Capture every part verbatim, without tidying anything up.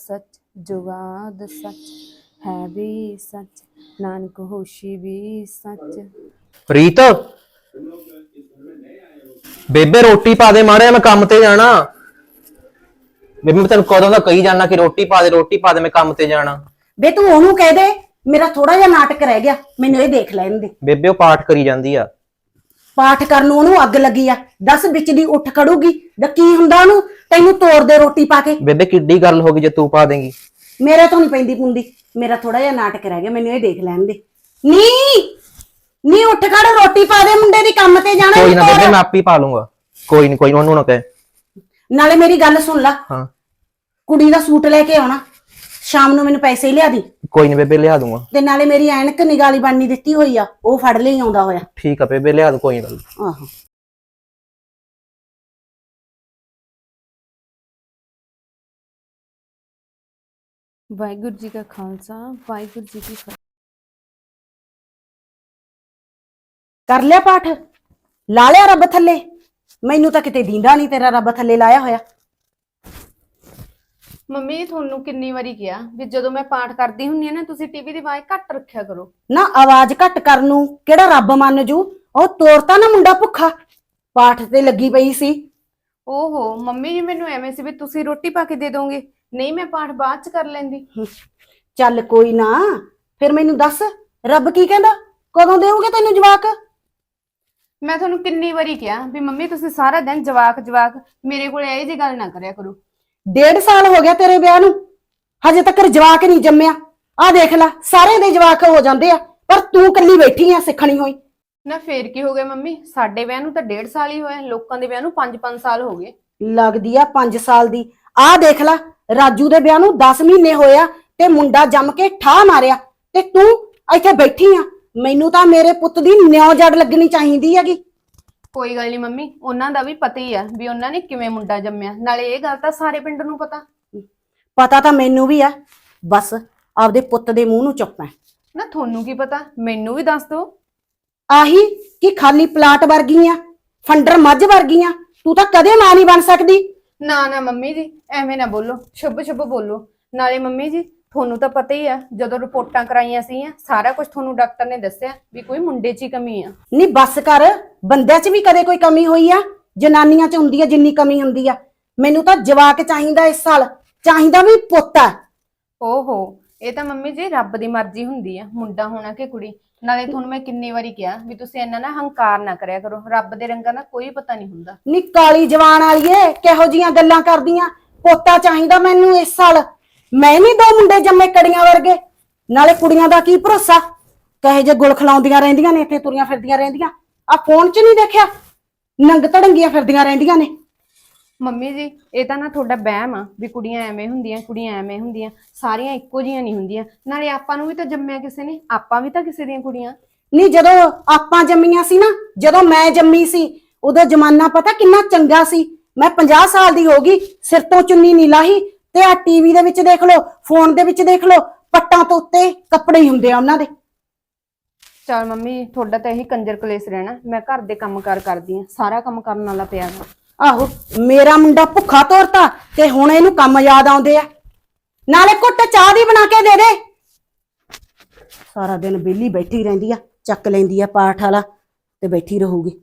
सच जुगाद सच है भी सच नानक होशी भी सच। ਰੀਤ ਬੇਬੇ ਰੋਟੀ ਪਾ ਦੇ ਮਾੜੇ, ਮੈਂ ਕੰਮ ਤੇ ਜਾਣਾ। ਬੇਬੇ ਮੈਂ ਤੈਨੂੰ ਕਦੋਂ ਦਾ ਕਹੀ ਜਾਣਾ ਕਿ ਰੋਟੀ ਪਾ ਦੇ ਰੋਟੀ ਪਾ ਦੇ, ਮੈਂ ਕੰਮ ਤੇ ਜਾਣਾ। ਬੇ ਤੂੰ ਉਹਨੂੰ ਕਹਿ ਦੇ ਮੇਰਾ ਥੋੜਾ ਜਿਹਾ ਨਾਟਕ ਰਹਿ ਗਿਆ, ਮੈਨੂੰ ਇਹ ਦੇਖ ਲੈਣ ਦੇ। ਬੇਬੇ ਉਹ ਪਾਠ ਕਰੀ ਜਾਂਦੀ ਆ। ਪਾਠ ਕਰਨ ਨੂੰ ਉਹਨੂੰ ਅੱਗ ਲੱਗੀ ਆ, ਦਸ ਵਿੱਚ ਦੀ ਉੱਠ ਖੜੂਗੀ ਦਾ ਕੀ ਹੁੰਦਾ ਉਹਨੂੰ, ਤੈਨੂੰ ਤੋੜ ਦੇ ਰੋਟੀ ਪਾ ਕੇ। ਬੇਬੇ ਕਿੱਡੀ ਗੱਲ ਹੋ ਗਈ ਜੇ ਤੂੰ ਪਾ ਦੇਂਗੀ। ਮੇਰੇ ਤੋਂ ਨਹੀਂ ਪੈਂਦੀ ਪੁੰਦੀ, ਮੇਰਾ ਥੋੜਾ ਜਿਹਾ ਨਾਟਕ ਰਹਿ ਗਿਆ, ਮੈਨੂੰ ਇਹ ਦੇਖ ਲੈਣ ਦੇ। ਨੀ ਨੀ ਉੱਠ ਖੜ, ਰੋਟੀ ਪਾ ਦੇ, ਮੁੰਡੇ ਦੀ ਕੰਮ ਤੇ ਜਾਣਾ। ਕੋਈ ਨਾ ਬੇਬੇ ਮੈਂ ਆਪੇ ਪਾ ਲੂੰਗਾ, ਕੋਈ ਨਹੀਂ ਕੋਈ ਉਹਨੂੰ ਨਾ ਕਹੇ। ਨਾਲੇ ਮੇਰੀ ਗੱਲ ਸੁਣ ਲੈ, ਹਾਂ ਕੁੜੀ ਦਾ ਸੂਟ ਲੈ ਕੇ ਆਉਣਾ, ਸ਼ਾਮ ਨੂੰ ਮੈਨੂੰ ਪੈਸੇ ਹੀ ਲਿਆ ਦੀ। ਕੋਈ ਨਹੀਂ ਬੇਬੇ ਲਿਆ ਦੂੰਗਾ। ਤੇ ਨਾਲੇ ਮੇਰੀ ਐਨਕ ਨਿਗਾਲੀ ਬਣਨੀ ਦਿੱਤੀ ਹੋਈ ਆ, ਉਹ ਫੜ ਲਈ ਆਉਂਦਾ ਹੋਇਆ। ਠੀਕ ਆ ਬੇਬੇ ਲਿਆ ਦੂ, ਕੋਈ ਗੱਲ। ਆਹੋ वाहिगुरू जी का खालसा वाहिगुरू जी की फतेह। ਕਰ ਲਿਆ ਪਾਠ, ਲਾ ਲਿਆ ਰੱਬ ਥੱਲੇ? ਮੈਨੂੰ ਤਾਂ ਕਿਤੇ ਦੀਂਦਾ ਨਹੀਂ ਤੇਰਾ ਰੱਬ ਥੱਲੇ ਲਾਇਆ ਹੋਇਆ। ਮੰਮੀ ਤੁਹਾਨੂੰ ਕਿੰਨੀ ਵਾਰੀ ਕਿਹਾ ਵੀ ਜਦੋਂ ਮੈਂ ਪਾਠ ਕਰਦੀ ਹੁੰਨੀ ਆ ਨਾ ਤੁਸੀਂ ਟੀਵੀ ਦੀ ਆਵਾਜ਼ ਘੱਟ ਰੱਖਿਆ ਕਰੋ। ਨਾ ਆਵਾਜ਼ ਘੱਟ ਕਰਨ ਨੂੰ ਕਿਹੜਾ ਰੱਬ ਮੰਨ ਜੂ, ਉਹ ਤੋਰਤਾ ਨਾ ਮੁੰਡਾ ਭੁੱਖਾ, ਪਾਠ ਤੇ ਲੱਗੀ ਪਈ ਸੀ। ਓਹੋ ਮੰਮੀ ਜੀ ਮੈਨੂੰ ਐਵੇਂ ਸੀ ਵੀ ਤੁਸੀਂ ਰੋਟੀ ਪਾ ਕੇ ਦੇ ਦੋਗੇ, ਨਹੀਂ ਮੈਂ ਪਾਠ ਬਾਅਦ ਚ ਕਰ ਲੈਂਦੀ। ਚੱਲ ਕੋਈ ਨਾ, ਫਿਰ ਮੈਨੂੰ ਦੱਸ ਰੱਬ ਕੀ ਕਹਿੰਦਾ, ਕਦੋਂ ਦੇਊਗੇ ਤੈਨੂੰ ਜਵਾਕ? ਮੈਂ ਤੁਹਾਨੂੰ ਕਿੰਨੀ ਵਾਰੀ ਕਿਹਾ ਵੀ ਮੰਮੀ ਤੁਸੀਂ ਸਾਰਾ ਦਿਨ ਜਵਾਕ ਜਵਾਕ ਮੇਰੇ ਕੋਲ ਇਹ ਜੀ ਗੱਲ ਨਾ ਕਰਿਆ ਕਰੋ। ਡੇਢ ਸਾਲ ਹੋ ਗਿਆ ਤੇਰੇ ਵਿਆਹ ਨੂੰ, ਹਜੇ ਤੱਕ ਜਵਾਕ ਨਹੀਂ ਜੰਮਿਆ। ਆਹ ਦੇਖ ਲੈ ਸਾਰੇ ਦੇ ਜਵਾਕ ਹੋ ਜਾਂਦੇ ਆ, ਪਰ ਤੂੰ ਕੱਲੀ ਬੈਠੀ ਆ ਸਿੱਖਣੀ ਹੋਈ। ਨਾ ਫੇਰ ਕੀ ਹੋ ਗਿਆ ਮੰਮੀ, ਸਾਡੇ ਵਿਆਹ ਨੂੰ ਤਾਂ ਡੇਢ ਸਾਲ ਹੀ ਹੋਇਆ, ਲੋਕਾਂ ਦੇ ਵਿਆਹ ਨੂੰ ਪੰਜ ਪੰਜ ਸਾਲ ਹੋ ਗਏ। ਲੱਗਦੀ ਆ ਪੰਜ ਸਾਲ ਦੀ। ਆਹ ਦੇਖ ਲੈ ਰਾਜੂ ਦੇ ਵਿਆਹ ਨੂੰ ਦਸ ਮਹੀਨੇ ਹੋਇਆ ਤੇ ਮੁੰਡਾ ਜੰਮ ਕੇ ਠਾਹ ਮਾਰਿਆ, ਤੇ ਤੂੰ ਇੱਥੇ ਬੈਠੀ ਆ। ਮੈਨੂੰ ਤਾਂ ਮੇਰੇ ਪੁੱਤ ਦੀ ਨਿਉ ਜੜ ਲੱਗਣੀ ਚਾਹੀਦੀ ਹੈਗੀ। ਕੋਈ ਗੱਲ ਨਹੀਂ ਮੰਮੀ, ਉਹਨਾਂ ਦਾ ਵੀ ਪਤਾ ਹੀ ਆ ਵੀ ਉਹਨਾਂ ਨੇ ਕਿਵੇਂ ਮੁੰਡਾ ਜੰਮਿਆ, ਨਾਲੇ ਇਹ ਗੱਲ ਤਾਂ ਸਾਰੇ ਪਿੰਡ ਨੂੰ ਪਤਾ। ਪਤਾ ਤਾਂ ਮੈਨੂੰ ਵੀ ਆ, ਬਸ ਆਪਦੇ ਪੁੱਤ ਦੇ ਮੂੰਹ ਨੂੰ ਚੁੱਪ ਐ। ਨਾ ਤੁਹਾਨੂੰ ਕੀ ਪਤਾ, ਮੈਨੂੰ ਵੀ ਦੱਸ ਦਿਓ। ਆਹੀ ਕਿ ਖਾਲੀ ਪਲਾਟ ਵਰਗੀ ਆ, ਫੰਡਰ ਮੱਝ ਵਰਗੀ ਆ, ਤੂੰ ਤਾਂ ਕਦੇ ਮਾਂ ਨਹੀਂ ਬਣ ਸਕਦੀ। ਨਾ ਨਾ ਮੰਮੀ ਜੀ ਐਵੇਂ ਨਾ ਬੋਲੋ, ਸ਼ੁਭ ਸ਼ੁਭ ਬੋਲੋ। ਨਾਲੇ ਮੰਮੀ ਜੀ ਤੁਹਾਨੂੰ ਤਾਂ ਪਤਾ ਹੀ ਆ, ਜਦੋਂ ਰਿਪੋਰਟਾਂ ਕਰਾਈਆਂ ਸੀ ਸਾਰਾ ਕੁਝ ਤੁਹਾਨੂੰ ਡਾਕਟਰ ਨੇ ਦੱਸਿਆ ਵੀ ਕੋਈ ਮੁੰਡੇ 'ਚ ਹੀ ਕਮੀ ਆ। ਨਹੀਂ ਬੱਸ ਕਰ, ਬੰਦਿਆਂ 'ਚ ਵੀ ਕਦੇ ਕੋਈ ਕਮੀ ਹੋਈ ਆ? ਜਨਾਨੀਆਂ 'ਚ ਹੁੰਦੀ ਆ ਜਿੰਨੀ ਕਮੀ ਹੁੰਦੀ ਆ। ਮੈਨੂੰ ਤਾਂ ਜਵਾਕ ਚਾਹੀਦਾ ਇਸ ਸਾਲ, ਚਾਹੀਦਾ ਵੀ ਪੁੱਤ ਆ। ਓਹੋ ਇਹ ਤਾਂ ਮੰਮੀ ਜੀ ਰੱਬ ਦੀ ਮਰਜ਼ੀ ਹੁੰਦੀ ਆ, ਮੁੰਡਾ ਹੋਣਾ ਕਿ ਕੁੜੀ। ਨਾਲੇ ਤੁਹਾਨੂੰ ਮੈਂ ਕਿੰਨੀ ਵਾਰੀ ਕਿਹਾ ਵੀ ਤੁਸੀਂ ਇੰਨਾ ਨਾ ਹੰਕਾਰ ਨਾ ਕਰਿਆ ਕਰੋ, ਰੱਬ ਦੇ ਰੰਗਾਂ ਦਾ ਕੋਈ ਪਤਾ ਨਹੀਂ ਹੁੰਦਾ। ਨੀ ਕਾਲੀ ਜਵਾਨ ਵਾਲੀਏ ਕਿਹੋ ਜੀਆਂ ਗੱਲਾਂ ਕਰਦੀਆਂ, ਪੋਤਾ ਚਾਹੀਦਾ ਮੈਨੂੰ ਇਸ ਸਾਲ। ਮੈਂ ਵੀ ਦੋ ਮੁੰਡੇ ਜੰਮੇ ਕੜੀਆਂ ਵਰਗੇ, ਨਾਲੇ ਕੁੜੀਆਂ ਦਾ ਕੀ ਭਰੋਸਾ, ਕਹੇ ਜੇ ਗੁਲ ਖਲਾਉਂਦੀਆਂ ਰਹਿੰਦੀਆਂ ਨੇ, ਇੱਥੇ ਤੁਰੀਆਂ ਫਿਰਦੀਆਂ ਰਹਿੰਦੀਆਂ। ਆ ਫੋਨ 'ਚ ਨਹੀਂ ਦੇਖਿਆ ਨੰਗ ਧੜੰਗੀਆਂ ਫਿਰਦੀਆਂ ਰਹਿੰਦੀਆਂ ਨੇ। ਮੰਮੀ ਜੀ ਇਹ ਤਾਂ ਨਾ ਤੁਹਾਡਾ ਵਹਿਮ ਆ ਵੀ ਕੁੜੀਆਂ ਐਵੇਂ ਹੁੰਦੀਆਂ ਕੁੜੀਆਂ ਐਵੇਂ ਹੁੰਦੀਆਂ, ਸਾਰੀਆਂ ਇੱਕੋ ਜਿਹੀਆਂ ਨਹੀਂ ਹੁੰਦੀਆਂ। ਨਾਲੇ ਆਪਾਂ ਨੂੰ ਵੀ ਤਾਂ ਜੰਮਿਆ ਕਿਸੇ ਨੇ, ਆਪਾਂ ਵੀ ਤਾਂ ਕਿਸੇ ਦੀਆਂ ਕੁੜੀਆਂ। ਨਹੀਂ ਜਦੋਂ ਆਪਾਂ ਜੰਮੀਆਂ ਸੀ ਨਾ, ਜਦੋਂ ਮੈਂ ਜੰਮੀ ਸੀ ਉਦੋਂ ਜ਼ਮਾਨਾ ਪਤਾ ਕਿੰਨਾ ਚੰਗਾ ਸੀ। ਮੈਂ ਪੰਜਾਹ ਸਾਲ ਦੀ ਹੋ ਗਈ, ਸਿਰ ਤੋਂ ਚੁੰਨੀ ਨਹੀਂ ਲਾਹੀ, ਤੇ ਆ ਟੀਵੀ ਦੇ ਵਿੱਚ ਦੇਖ ਲਓ, ਫੋਨ ਦੇ ਵਿੱਚ ਦੇਖ ਲਓ, ਪੱਟਾਂ ਤੋਂ ਉੱਤੇ ਕੱਪੜੇ ਹੀ ਹੁੰਦੇ ਆ ਉਹਨਾਂ ਦੇ। ਚਲ ਮੰਮੀ ਤੁਹਾਡਾ ਤਾਂ ਇਹੀ ਕੰਜਰ ਕਲੇਸ਼ ਰਹਿਣਾ, ਮੈਂ ਘਰ ਦੇ ਕੰਮ ਕਾਰ ਕਰਦੀ ਆ, ਸਾਰਾ ਕੰਮ ਕਰਨ ਵਾਲਾ ਪਿਆ ਵਾ। ਆਹੋ ਮੇਰਾ ਮੁੰਡਾ ਭੁੱਖਾ ਤੋਰਤਾ ਤੇ ਹੁਣ ਇਹਨੂੰ ਕੰਮ ਯਾਦ ਆਉਂਦੇ ਆ। ਨਾਲੇ ਘੁੱਟ ਚਾਹ ਦੀ ਬਣਾ ਕੇ ਦੇ ਦੇ। ਸਾਰਾ ਦਿਨ ਵਿਹਲੀ ਬੈਠੀ ਰਹਿੰਦੀ ਆ, ਚੱਕ ਲੈਂਦੀ ਆ ਪਾਠ ਵਾਲਾ ਤੇ ਬੈਠੀ ਰਹੂਗੀ।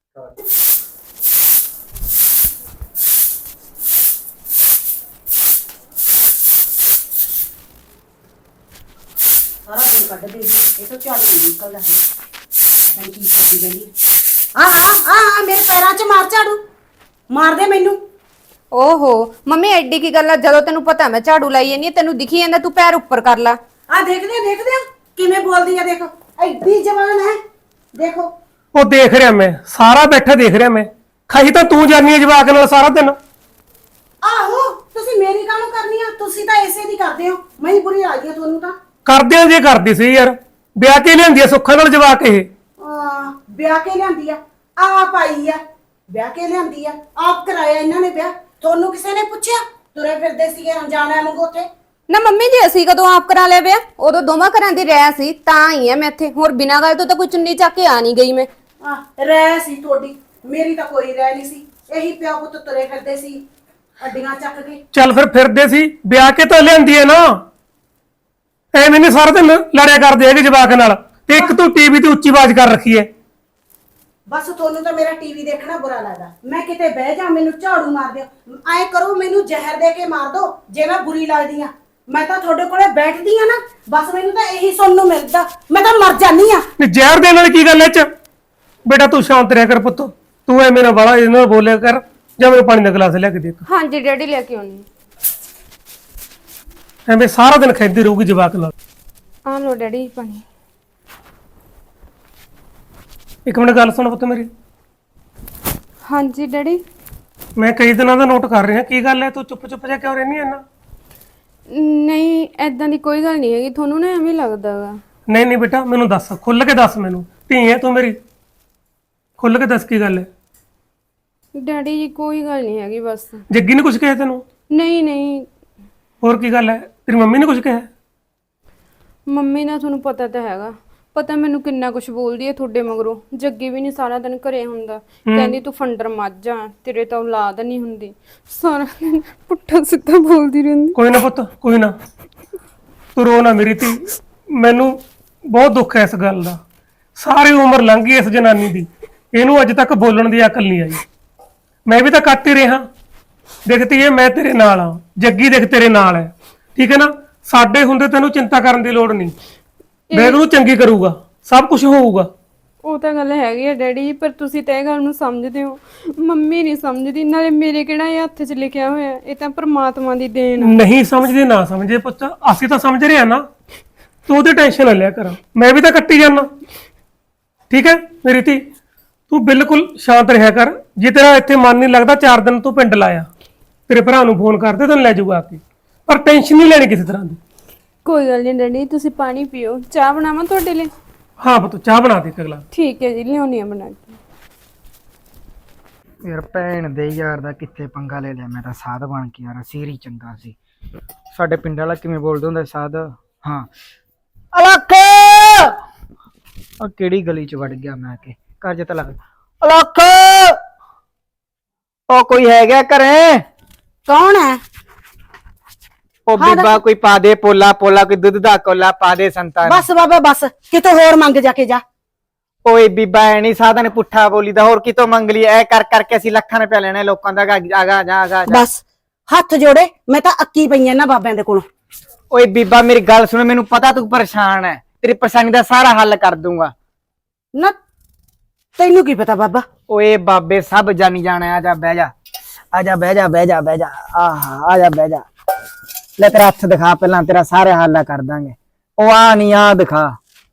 ਸਾਰਾ ਦਿਨ ਕੱਢ ਦੇ ਇਹ ਤਾਂ ਝਾੜੂ ਨਹੀਂ ਨਿਕਲਦਾ ਹੈ। ਪਤਾ ਕੀ ਕਰਦੀ ਰਹਿੰਦੀ ਆ। ਆ ਆ ਆ ਮੇਰੇ ਪੈਰਾਂ 'ਚ ਮਾਰ ਝਾੜੂ, ਮਾਰ ਦੇ ਮੈਨੂੰ। ਓਹੋ ਮੰਮੀ ਐਡੀ ਕੀ ਗੱਲ ਆ, ਜਦੋਂ ਤੈਨੂੰ ਪਤਾ ਮੈਂ ਝਾੜੂ ਲਾਈ ਜਾਂਦੀ ਆ, ਤੈਨੂੰ ਦਿਖੀ ਜਾਂਦਾ ਤੂੰ ਪੈਰ ਉੱਪਰ ਕਰ ਲਾ। ਆ ਦੇਖਦੇ ਦੇਖਦੇ ਕਿਵੇਂ ਬੋਲਦੀ ਆ, ਦੇਖੋ ਐਡੀ ਜਵਾਨ ਹੈ ਦੇਖੋ। ਉਹ ਦੇਖ ਰਿਹਾ ਮੈਂ, ਸਾਰਾ ਬੈਠਾ ਦੇਖ ਰਿਹਾ ਮੈਂ। ਖਾਈ ਤਾਂ ਤੂੰ ਜਾਨੀ ਹੈ ਜਵਾਕ ਨਾਲ ਸਾਰਾ ਦਿਨ। ਆਹੋ ਤੁਸੀਂ ਮੇਰੀ ਕਾਹਨੂੰ ਕਰਨੀ ਆ, ਤੁਸੀਂ ਤਾਂ ਐਸੇ ਦੀ ਕਰਦੇ ਹੋ, ਮੈਂ ਹੀ ਬੁਰੀ ਲੱਗਦੀ ਆ ਤੁਹਾਨੂੰ ਤਾਂ। ਕਰਦਿਆਂ ਜੇ ਕਰਦੀ ਸੀ ਯਾਰ, ਵਿਆਹ ਕੇ ਲਿਆਂਦੀ ਆ ਸੁੱਖਾਂ ਨਾਲ ਜਵਾਕ ਇਹ। ਆ ਵਿਆਹ ਕੇ ਲਿਆਂਦੀ ਆ, ਆਪ ਆਈ ਆ, ਵਿਆਹ ਕੇ ਲਿਆਂਦੀ ਆ, ਆਪ ਕਰਾਇਆ ਇਹਨਾਂ ਨੇ ਵਿਆਹ। ਤੁਹਾਨੂੰ ਕਿਸੇ ਨੇ ਪੁੱਛਿਆ? ਤੁਰੇ ਫਿਰਦੇ ਸੀਗੇ ਅਣਜਾਣਾ ਵਾਂਗੂ ਉੱਥੇ। ਨਾ ਮੰਮੀ ਜੀ ਅਸੀਂ ਕਦੋਂ ਆਪ ਕਰਾ ਲਿਆ ਵਿਆਹ, ਉਦੋਂ ਦੋਵਾਂ ਘਰਾਂ ਦੀ ਰਹਿ ਸੀ ਤਾਂ ਆਈ ਆ ਮੈਂ ਇੱਥੇ, ਹੋਰ ਬਿਨਾਂ ਗੱਲ ਤੋਂ ਤਾਂ ਕੋਈ ਚੁੰਨੀ ਚੱਕ ਕੇ ਆ ਨਹੀਂ ਗਈ ਮੈਂ। ਆ ਰਹਿ ਸੀ ਤੁਹਾਡੀ, ਮੇਰੀ ਤਾਂ ਕੋਈ ਰਹਿ ਨਹੀਂ ਸੀ। ਇਹੀ ਪਿਓ ਪੁੱਤ ਤੁਰੇ ਫਿਰਦੇ ਸੀ, ਅੱਡੀਆਂ ਚੱਕ ਕੇ। ਚੱਲ ਫਿਰ ਫਿਰਦੇ ਸੀ ਵਿਆਹ ਕੇ ਤਾਂ ਲਿਆਂਦੀ ਐ ਨਾ, ਐਵੇਂ ਨਹੀਂ ਸਾਰਾ ਦਿਨ ਲੜਿਆ ਕਰਦੇ ਹੈਗੇ ਜਵਾਕ ਨਾਲ। ਤੇ ਇੱਕ ਤੂੰ ਟੀਵੀ ਤੇ ਉੱਚੀ ਆਵਾਜ਼ ਕਰ ਰੱਖੀ ਐ। ਬਸ ਤੁਹਾਨੂੰ ਤਾਂ ਮੇਰਾ ਟੀਵੀ ਦੇਖਣਾ ਬੁਰਾ ਲੱਗਦਾ। ਮੈਂ ਕਿਤੇ ਬਹਿ ਜਾ ਮੈਨੂੰ ਝਾੜੂ ਮਾਰ ਦਿਓ, ਐ ਕਰੋ ਮੈਨੂੰ ਜ਼ਹਿਰ ਦੇ ਕੇ ਮਾਰ ਦਿਓ ਜੇ ਮੈਂ ਬੁਰੀ ਲੱਗਦੀ ਆ। ਮੈਂ ਤਾਂ ਤੁਹਾਡੇ ਕੋਲੇ ਬੈਠਦੀ ਆ ਨਾ, ਬਸ ਮੈਨੂੰ ਤਾਂ ਇਹੀ ਸੁਣਨ ਨੂੰ ਮਿਲਦਾ, ਮੈਂ ਤਾਂ ਮਰ ਜਾਨੀ ਆ। ਨਹੀਂ ਜ਼ਹਿਰ ਦੇਣ ਨਾਲ ਕੀ ਗੱਲ ਐ ਚ? ਬੇਟਾ ਤੂੰ ਸ਼ਾਂਤ ਰਹਿ ਕਰ ਪੁੱਤ, ਤੂੰ ਐਵੇਂ ਨਾ ਬਾਲਾ ਇਹਨਾਂ ਨਾਲ ਬੋਲਿਆ ਕਰ। ਜਾਂ ਮੈਨੂੰ ਪਾਣੀ ਦਾ ਗਲਾਸ ਲਿਆ ਕੇ ਦੇ। ਹਾਂਜੀ ਡੈਡੀ ਲੈ ਕੇ ਆਉਣੀ। ਐਵੇਂ ਸਾਰਾ ਦਿਨ ਖੈਦੀ ਰਹੂਗੀ ਜਵਾਕ ਨਾਲ। ਆ ਲੋ ਡੈਡੀ ਪਾਣੀ। ਇੱਕ ਮਿੰਟ ਗੱਲ ਸੁਣ ਪੁੱਤ ਮੇਰੀ। ਹਾਂਜੀ ਡੈਡੀ। ਮੈਂ ਕਈ ਦਿਨਾਂ ਦਾ ਨੋਟ ਕਰ ਰਿਹਾ, ਕੀ ਗੱਲ ਹੈ ਤੂੰ ਚੁੱਪ ਚੁੱਪ ਜਿਹਾ ਕਿਉਂ ਰਹਿਨੀ ਐ ਨਾ? ਨਹੀਂ ਐਦਾਂ ਦੀ ਕੋਈ ਗੱਲ ਨਹੀਂ ਹੈਗੀ, ਤੁਹਾਨੂੰ ਨਾ ਐਵੇਂ ਲੱਗਦਾ ਗਾ। ਨਹੀਂ ਨਹੀਂ ਬੇਟਾ ਮੈਨੂੰ ਦੱਸ, ਖੁੱਲ ਕੇ ਦੱਸ ਮੈਨੂੰ। ਧੀ ਹੈ ਤੂੰ ਮੇਰੀ, ਖੁੱਲ ਕੇ ਦੱਸ ਕੀ ਗੱਲ ਹੈ। ਡੈਡੀ ਜੀ ਕੋਈ ਗੱਲ ਨਹੀਂ ਹੈਗੀ ਬਸ। ਜੱਗੀ ਨੇ ਕੁਝ ਕਿਹਾ ਤੈਨੂੰ? ਨਹੀਂ ਨਹੀਂ। ਹੋਰ ਕੀ ਗੱਲ ਹੈ? ਤੇਰੀ ਮੰਮੀ ਨੇ ਕੁਝ ਕਿਹਾ? ਮੰਮੀ ਦਾ ਤੁਹਾਨੂੰ ਪਤਾ ਤਾਂ ਹੈਗਾ, ਪਤਾ ਮੈਨੂੰ ਕਿੰਨਾ ਕੁਝ ਬੋਲਦੀ ਹੈ ਤੁਹਾਡੇ ਮਗਰੋਂ। ਜੱਗੀ ਵੀ ਨਹੀਂ ਸਾਰਾ ਦਿਨ ਘਰੇ ਹੁੰਦਾ, ਕਹਿੰਦੀ ਤੂੰ ਫੰਡਰ ਮੱਝ ਆ, ਤੇਰੇ ਤਾਂ ਔਲਾਦ ਨਹੀਂ ਹੁੰਦੀ। ਸਾਰਾ ਦਿਨ ਪੁੱਠਾ ਸਿੱਧਾ ਬੋਲਦੀ ਰਹਿੰਦੀ। ਕੋਈ ਨਾ ਪੁੱਤ ਕੋਈ ਨਾ, ਤੂੰ ਰੋ ਨਾ ਮੇਰੀ ਧੀ। ਮੈਨੂੰ ਬਹੁਤ ਦੁੱਖ ਹੈ ਇਸ ਗੱਲ ਦਾ। ਸਾਰੀ ਉਮਰ ਲੰਘ ਗਈ ਇਸ ਜਨਾਨੀ ਦੀ, ਇਹਨੂੰ ਅੱਜ ਤੱਕ ਬੋਲਣ ਦੀ ਅਕਲ ਨਹੀਂ ਆਈ। ਮੈਂ ਵੀ ਤਾਂ ਕੱਟ ਹੀ ਰਿਹਾ। ਦੇਖਤੀ ਹੈ ਮੈਂ ਤੇਰੇ ਨਾਲ ਆ, ਜੱਗੀ ਦੇਖ ਤੇਰੇ ਨਾਲ ਹੈ, ਠੀਕ ਹੈ ਨਾ। ਸਾਡੇ ਹੁੰਦੇ ਤੈਨੂੰ ਚਿੰਤਾ ਕਰਨ ਦੀ ਲੋੜ ਨਹੀਂ। ਮੈਂ ਉਹਨੂੰ ਚੰਗੀ ਕਰੂਗਾ, ਸਭ ਕੁਝ ਹੋਊਗਾ। ਉਹ ਤਾਂ ਗੱਲ ਹੈਗੀ ਹੈ ਡੈਡੀ, ਪਰ ਤੁਸੀਂ ਤਾਂ ਇਹ ਗੱਲ ਨੂੰ ਸਮਝਦੇ ਹੋ, ਮੰਮੀ ਨਹੀਂ ਸਮਝਦੀ। ਨਾਲੇ ਮੇਰੇ ਕਿਹੜਾ ਇਹ ਹੱਥ 'ਚ ਲਿਖਿਆ ਹੋਇਆ, ਇਹ ਤਾਂ ਪ੍ਰਮਾਤਮਾ ਦੀ ਦੇਣ ਆ। ਨਹੀਂ ਸਮਝਦੇ ਨਾ ਸਮਝੇ ਪੁੱਤ, ਅਸੀਂ ਤਾਂ ਸਮਝ ਰਹੇ ਆ ਨਾ। ਤੂੰ ਉਹਦੀ ਟੈਨਸ਼ਨ ਨਾ ਲਿਆ ਕਰ, ਮੈਂ ਵੀ ਤਾਂ ਕੱਟੀ ਜਾਣਾ, ਠੀਕ ਹੈ ਮੇਰੀ ਧੀ। ਤੂੰ ਬਿਲਕੁਲ ਸ਼ਾਂਤ ਰਿਹਾ ਕਰ। ਜੇ ਤੇਰਾ ਇੱਥੇ ਮਨ ਨਹੀਂ ਲੱਗਦਾ, ਚਾਰ ਦਿਨ ਤੂੰ ਪਿੰਡ ਲਾਇਆ, ਤੇਰੇ ਭਰਾ ਨੂੰ ਫੋਨ ਕਰਦੇ ਤੈਨੂੰ ਲੈ ਜਾਊਗਾ ਆ ਕੇ। ਪਰ ਟੈਨਸ਼ਨ ਨਹੀਂ ਲੈਣੀ ਕਿਸੇ ਤਰ੍ਹਾਂ ਦੀ। ਕੋਈ ਗੱਲ ਨਹੀਂ ਡੈਡੀ, ਤੁਸੀਂ ਪਾਣੀ ਪੀਓ। ਚਾਹ ਬਣਾਵਾਂ ਤੁਹਾਡੇ ਲਈ? ਹਾਂ ਪੁੱਤ ਚਾਹ ਬਣਾ ਦੇ ਅਗਲਾ। ਠੀਕ ਹੈ ਜੀ, ਲਿਆਉਣੀ ਆ ਬਣਾ ਕੇ। ਯਾਰ ਭੈਣ ਦੇ ਯਾਰ ਦਾ ਕਿੱਥੇ ਪੰਗਾ ਲੈ ਲਿਆ। ਮੈਂ ਤਾਂ ਸਾਧ ਬਣ ਕੇ ਯਾਰ ਸੀਰੀ ਚੰਗਾ ਸੀ। ਸਾਡੇ ਪਿੰਡ ਵਾਲਾ ਕਿਵੇਂ ਬੋਲਦਾ ਹੁੰਦਾ ਸਾਧ? ਹਾਂ ਅਲੱਖ, ਆ ਕਿਹੜੀ ਗਲੀ ਚ ਵੜ ਗਿਆ ਮੈਂ ਕਿ ਘਰ ਚ ਤਾਂ ਲੱਗ। ਅਲੱਖ, ਉਹ ਕੋਈ ਹੈਗਾ ਘਰੇ? ਕੌਣ ਹੈ? ਉਹ ਬੀਬਾ ਕੋਈ ਪਾ ਦੇ ਪੋਲਾ ਪੋਲਾ, ਕੋਈ ਦੁੱਧ ਦਾ ਕੋਲਾ ਪਾ ਦੇ ਸੰਤਾਂ ਨੂੰ। ਬਸ ਬਾਬਾ ਬਸ, ਕਿਤੋਂ ਹੋਰ ਮੰਗ ਜਾ ਕੇ ਜਾ। ਓਏ ਬੀਬਾ ਐ ਨੀ ਸਾਧਾ ਨੇ ਪੁੱਠਾ ਬੋਲੀ ਦਾ, ਹੋਰ ਕਿਤੋਂ ਮੰਗ ਲਈ? ਐ ਕਰ ਕਰਕੇ ਅਸੀਂ ਲੱਖਾਂ ਰੁਪਏ ਲੈਣੇ ਲੋਕਾਂ ਦਾ। ਆਗਾ ਜਾ ਆਗਾ ਜਾ। ਬਸ ਹੱਥ ਜੋੜੇ, ਮੈਂ ਤਾਂ ਅੱਕੀ ਪਈ ਐ ਨਾ ਬਾਬਿਆਂ ਦੇ ਕੋਲੋਂ। ਓਏ ਬੀਬਾ ਮੇਰੀ ਗੱਲ ਸੁਣ, ਮੈਨੂੰ ਪਤਾ ਤੂੰ ਪਰੇਸ਼ਾਨ ਹੈ, ਤੇਰੀ ਪਰੇਸ਼ਾਨੀ ਦਾ ਸਾਰਾ ਹੱਲ ਕਰ ਦੂੰਗਾ। ਨਾ ਤੈਨੂੰ ਕੀ ਪਤਾ ਬਾਬਾ? ਓਏ ਬਾਬੇ ਸਭ ਜਾਣੀ ਜਾਣਾ। ਆ ਜਾ ਬਹਿ ਜਾ, ਆ ਜਾ ਬਹਿ ਜਾ ਬਹਿ ਜਾ ਬਹਿ ਜਾ। ਆਹਾ ਆ ਜਾ ਬਹਿ ਜਾ। ਲੈ ਤੇਰਾ ਹੱਥ ਦਿਖਾ ਪਹਿਲਾਂ, ਤੇਰਾ ਸਾਰੇ ਹੱਲ ਕਰ ਦਾਂਗੇ। ਉਹ ਆ ਨਹੀਂ ਆ ਦਿਖਾ।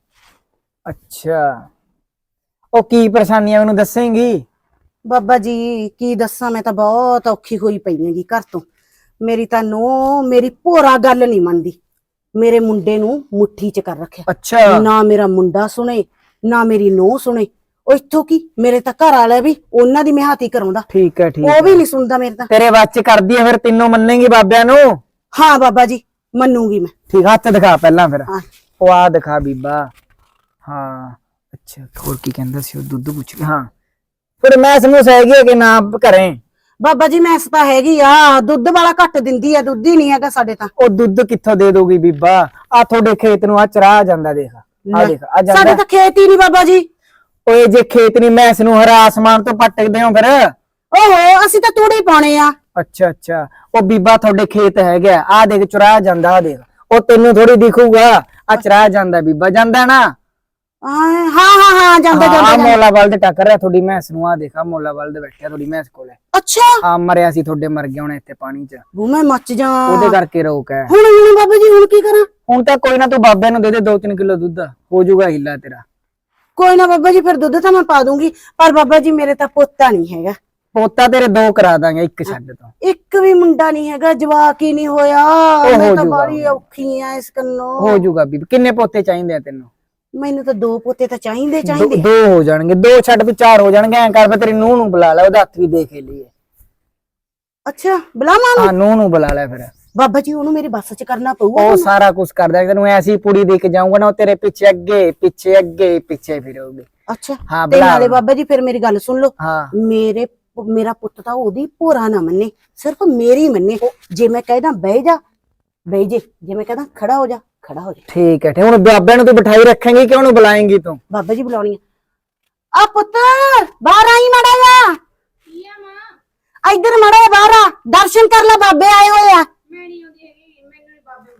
ਅੱਛਾ ਉਹ ਕੀ ਪਰੇਸ਼ਾਨੀ ਆ ਮੈਨੂੰ ਦੱਸੇਂਗੀ? ਬਾਬਾ ਜੀ ਕੀ ਦੱਸਾਂ, ਮੈਂ ਤਾਂ ਬਹੁਤ ਔਖੀ ਹੋਈ ਪਈ ਹੈਗੀ ਘਰ ਤੋਂ। ਮੇਰੀ ਤਾਂ ਨੂੰਹ ਮੇਰੀ ਭੋਰਾ ਗੱਲ ਨਹੀਂ ਮੰਨਦੀ, ਮੇਰੇ ਮੁੰਡੇ ਨੂੰ ਮੁੱਠੀ 'ਚ ਕਰ ਰੱਖਿਆ। ਅੱਛਾ ਨਾ ਮੇਰਾ ਮੁੰਡਾ ਸੁਣੇ ਨਾ ਮੇਰੀ ਨੂੰਹ ਸੁਣੇ। ਉਹ ਇੱਥੋਂ ਕੀ, ਮੇਰੇ ਤਾਂ ਘਰ ਵਾਲਾ ਵੀ ਉਹਨਾਂ ਦੀ ਮਿਹਾਤੀ ਕਰਾਉਂਦਾ, ਠੀਕ ਹੈ ਠੀਕ ਉਹ ਵੀ ਨਹੀਂ ਸੁਣਦਾ ਮੇਰੇ ਤਾਂ। ਤੇਰੇ ਬੱਚ ਕਰਦੀ ਆ ਫਿਰ, ਤਿੰਨੋਂ ਮੰਨੇਗੀ ਬਾਬਿਆਂ ਨੂੰ? ਹਾਂ ਬਾਬਾ ਜੀ ਮੰਨੂਗੀ ਮੈਂ। ਠੀਕ, ਹੱਥ ਦਿਖਾ ਪਹਿਲਾਂ ਫਿਰ। ਹਾਂ। ਉਹ ਆ ਦਿਖਾ ਬੀਬਾ। ਹਾਂ ਅੱਛਾ ਹੋਰ ਕੀ ਕਹਿੰਦਾ ਸੀ ਉਹ? ਦੁੱਧ ਪੁੱਛ ਕੇ। ਹਾਂ ਫਿਰ ਮੈਂ ਸਮੂਸ ਹੈਗੀ ਆ ਕਿ ਨਾ ਘਰੇ? ਬਾਬਾ ਜੀ ਮੈਸ ਤਾਂ ਹੈਗੀ ਆ, ਦੁੱਧ ਵਾਲਾ ਘੱਟ ਦਿੰਦੀ ਆ, ਦੁੱਧ ਹੀ ਨਹੀਂ ਹੈਗਾ ਸਾਡੇ ਤਾਂ। ਉਹ ਦੁੱਧ ਕਿੱਥੋਂ ਦੇ ਦੋਗੀ ਬੀਬਾ? ਆ ਤੁਹਾਡੇ ਖੇਤ ਨੂੰ ਆ ਚਰਾ ਜਾਂਦਾ, ਦੇਖ ਆ ਦੇਖ ਆ ਜਾਂਦਾ। ਸਾਡੇ ਤਾਂ ਖੇਤ ਹੀ ਨਹੀਂ ਬਾਬਾ ਜੀ। ਓਏ ਜੇ ਖੇਤ ਨਹੀਂ, ਮੈਸ ਨੂੰ ਹਰਾ ਆਸਮਾਨ ਤੋਂ ਪਟਕਦੇ ਹੋ ਫਿਰ? ਓਹੋ ਅਸੀਂ ਤਾਂ ਤੂੜੀ ਪਾਉਣੇ ਆ। ਅੱਛਾ ਅੱਛਾ ਉਹ ਬੀਬਾ ਤੁਹਾਡੇ ਖੇਤ ਹੈਗਾ, ਆ ਦੇਖ ਚੁਰਾ ਜਾਂਦਾ, ਆ ਦੇਖ। ਉਹ ਤੈਨੂੰ ਥੋੜੀ ਦਿਖੂਗਾ, ਆ ਚਰਾ ਜਾਂਦਾ ਬੀਬਾ, ਜਾਂਦਾ ਨਾ? ਹਾਂ ਹਾਂ ਹਾਂ ਜਾਂਦਾ ਆ ਜਾਂਦਾ। ਮੋਲਾ ਬਲਦ ਟੱਕਰ ਰਿਹਾ ਤੁਹਾਡੀ ਮੈਸ ਨੂੰ, ਆ ਦੇਖਾ ਮੋਲਾ ਬਲਦ ਬੈਠਿਆ ਤੁਹਾਡੀ ਮੈਸ ਕੋਲੇ। ਅੱਛਾ ਆ ਮਰਿਆ ਸੀ ਤੁਹਾਡੇ, ਮਰ ਗਿਆ ਹੁਣ ਇੱਥੇ ਪਾਣੀ 'ਚ, ਬੂ ਮੈਂ ਮੱਚ ਜਾ। ਉਹਦੇ ਕਰਕੇ ਰੋਕ ਹੈ। ਹੁਣ ਹੁਣ ਬਾਬਾ ਜੀ ਹੁਣ ਕੀ ਕਰਾਂ? ਹੁਣ ਤਾਂ ਕੋਈ ਨਾ, ਤੂੰ ਬਾਬੇ ਨੂੰ ਦੇ ਦੇ ਦੋ ਤਿੰਨ ਕਿਲੋ ਦੁੱਧ, ਹੋ ਜਾਊਗਾ ਹਿੱਲਾ ਤੇਰਾ। ਕੋਈ ਨਾ ਬਾਬਾ ਜੀ, ਫਿਰ ਦੁੱਧ ਤਾਂ ਮੈਂ ਪਾ ਦੂੰਗੀ, ਪਰ ਬਾਬਾ ਜੀ ਮੇਰੇ ਤਾਂ ਪੋਤਾ ਨਹੀਂ ਹੈਗਾ। ਪੋਤਾ ਤੇਰੇ ਦੋ ਕਰਾ ਦਾਂਗੇ, ਇੱਕ ਛੱਡ ਤੋਂ। ਇੱਕ ਵੀ ਮੁੰਡਾ ਨਹੀਂ ਹੈਗਾ, ਜਵਾਕ ਹੀ ਨਹੀਂ ਹੋਇਆ। ਹੋ ਮੈਂ ਤਾਂ ਜੂਗਾ। ਬੜੀ ਔਖੀ ਆ ਇਸ ਕੰਨੋਂ। ਹੋ ਜਾਊਗਾ ਬੀਬੀ। ਕਿੰਨੇ ਪੋਤੇ ਚਾਹੀਦੇ ਆ ਤੈਨੂੰ? ਮੈਨੂੰ ਤਾਂ ਦੋ ਪੋਤੇ ਤਾਂ ਚਾਹੀਦੇ ਦੋ ਚਾਹੀਦੇ। ਦੋ ਹੋ ਜਾਣਗੇ, ਦੋ ਛੱਡ ਵੀ ਚਾਰ ਹੋ ਜਾਣਗੇ। ਐਂ ਕਰ, ਮੈਂ ਤੇਰੀ ਨੂੰਹ ਨੂੰ ਬੁਲਾ ਲੈ, ਉਹਦਾ ਹੱਥ ਵੀ ਦੇਖ ਲਈਏ। ਅੱਛਾ ਬੁਲਾਵਾਂ ਹਾਂ ਨੂੰ? ਨੂੰਹ ਨੂੰ ਬੁਲਾ ਲੈ ਫਿਰ। ਬਾਬਾ ਜੀ ਉਹਨੂੰ ਮੇਰੀ ਬੱਸ 'ਚ ਕਰਨਾ ਪਊਗਾ। ਉਹ ਸਾਰਾ ਕੁਝ ਕਰਦਾ, ਤੈਨੂੰ ਐਸੀ ਪੁੜੀ ਦੇ ਕੇ ਜਾਊਂਗਾ ਨਾ, ਉਹ ਤੇਰੇ ਪਿੱਛੇ ਅੱਗੇ ਪਿੱਛੇ ਅੱਗੇ ਪਿੱਛੇ ਫਿਰੋਗੇ। ਅੱਛਾ ਹਾਂ ਤੇ ਬੁਲਾ। ਨਾਲੇ ਬਾਬਾ ਜੀ ਫਿਰ ਮੇਰੀ ਗੱਲ ਸੁਣ ਲਓ, ਹਾਂ ਮੇਰੇ ਉਹ ਮੇਰਾ ਪੁੱਤ ਤਾਂ ਉਹਦੀ ਭੋਰਾ ਨਾ ਮੰਨੇ, ਸਿਰਫ ਮੇਰੀ ਮੰਨੇ। ਜੇ ਮੈਂ ਕਹਿਦਾ ਬਹਿ ਜਾ ਬਹਿ ਜੇ, ਜੇ ਮੈਂ ਕਹਿਦਾ ਖੜਾ ਹੋ ਜਾ ਖੜਾ ਹੋ ਜਾ। ਠੀਕ ਹੈ, ਠੀਕ। ਹੁਣ ਬਾਬਿਆਂ ਨੂੰ ਤੂੰ ਬਿਠਾਈ ਰੱਖੇਂਗੀ ਕਿ ਉਹਨੂੰ ਬੁਲਾਏਂਗੀ ਤੂੰ? ਬਾਬਾ ਜੀ ਬੁਲਾਉਣੀ ਆ। ਆ ਪੁੱਤ ਬਾਹਰ ਆਈ ਮਾੜਾ ਜਾ, ਇੱਧਰ ਮਾੜਾ ਜਾ ਬਾਹਰ ਆ, ਦਰਸ਼ਨ ਕਰ ਲੈ, ਬਾਬੇ ਆਏ ਹੋਏ ਆ। ਮੈਂ ਨਹੀਂ ਆਉਂਦੀ ਹੈਗੀ, ਮੈਨੂੰ ਨੀ ਬਾਬੇ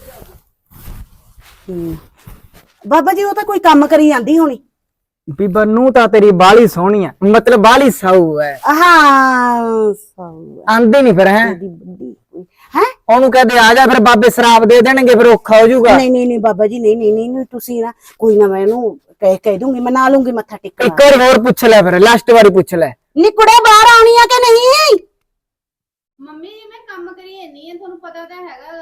ਹਮ, ਬਾਬਾ ਜੀ ਉਹ ਤਾਂ ਕੋਈ ਕੰਮ ਕਰੀ ਜਾਂਦੀ ਹੋਣੀ। ਬੀਬਾ ਨੂੰ ਤਾਂ ਤੇਰੀ ਬਾਲੀ ਸੋਹਣੀ ਆ, ਮਤਲਬ ਬਾਲੀ ਸਾਊ ਹੈ। ਹਾਂ ਸੌ ਆਂਦੇ ਨਹੀਂ ਫਿਰ ਹੈ ਦੀ ਵੱਡੀ ਹੈ। ਉਹਨੂੰ ਕਹਦੇ ਆ ਜਾ, ਫਿਰ ਬਾਬੇ ਸ਼ਰਾਬ ਦੇ ਦੇਣਗੇ, ਫਿਰ ਔਖਾ ਹੋ ਜਾਊਗਾ। ਨਹੀਂ ਨਹੀਂ ਨਹੀਂ ਬਾਬਾ ਜੀ, ਨਹੀਂ ਨਹੀਂ ਨਹੀਂ ਨਹੀਂ, ਤੁਸੀਂ ਨਾ ਕੋਈ ਨਾ, ਮੈਂ ਇਹਨੂੰ ਕਹਿ ਕਹਿ ਦੂੰਗੀ, ਮਨਾ ਲੂੰਗੀ ਮੱਥਾ ਟੇਕਣ। ਇੱਕ ਵਾਰ ਹੋਰ ਪੁੱਛ ਲੈ, ਫਿਰ ਲਾਸਟ ਵਾਰੀ ਪੁੱਛ ਲੈ। ਨੀ ਕੁੜੇ ਬਾਹਰ ਆਉਣੀ ਆ ਕਿ ਨਹੀਂ? ਮੰਮੀ ਜੀ ਮੈਂ ਕੰਮ ਕਰੀ ਜਾਂਦੀ ਆ, ਤੁਹਾਨੂੰ ਪਤਾ ਤਾਂ ਹੈਗਾ ਗਾ।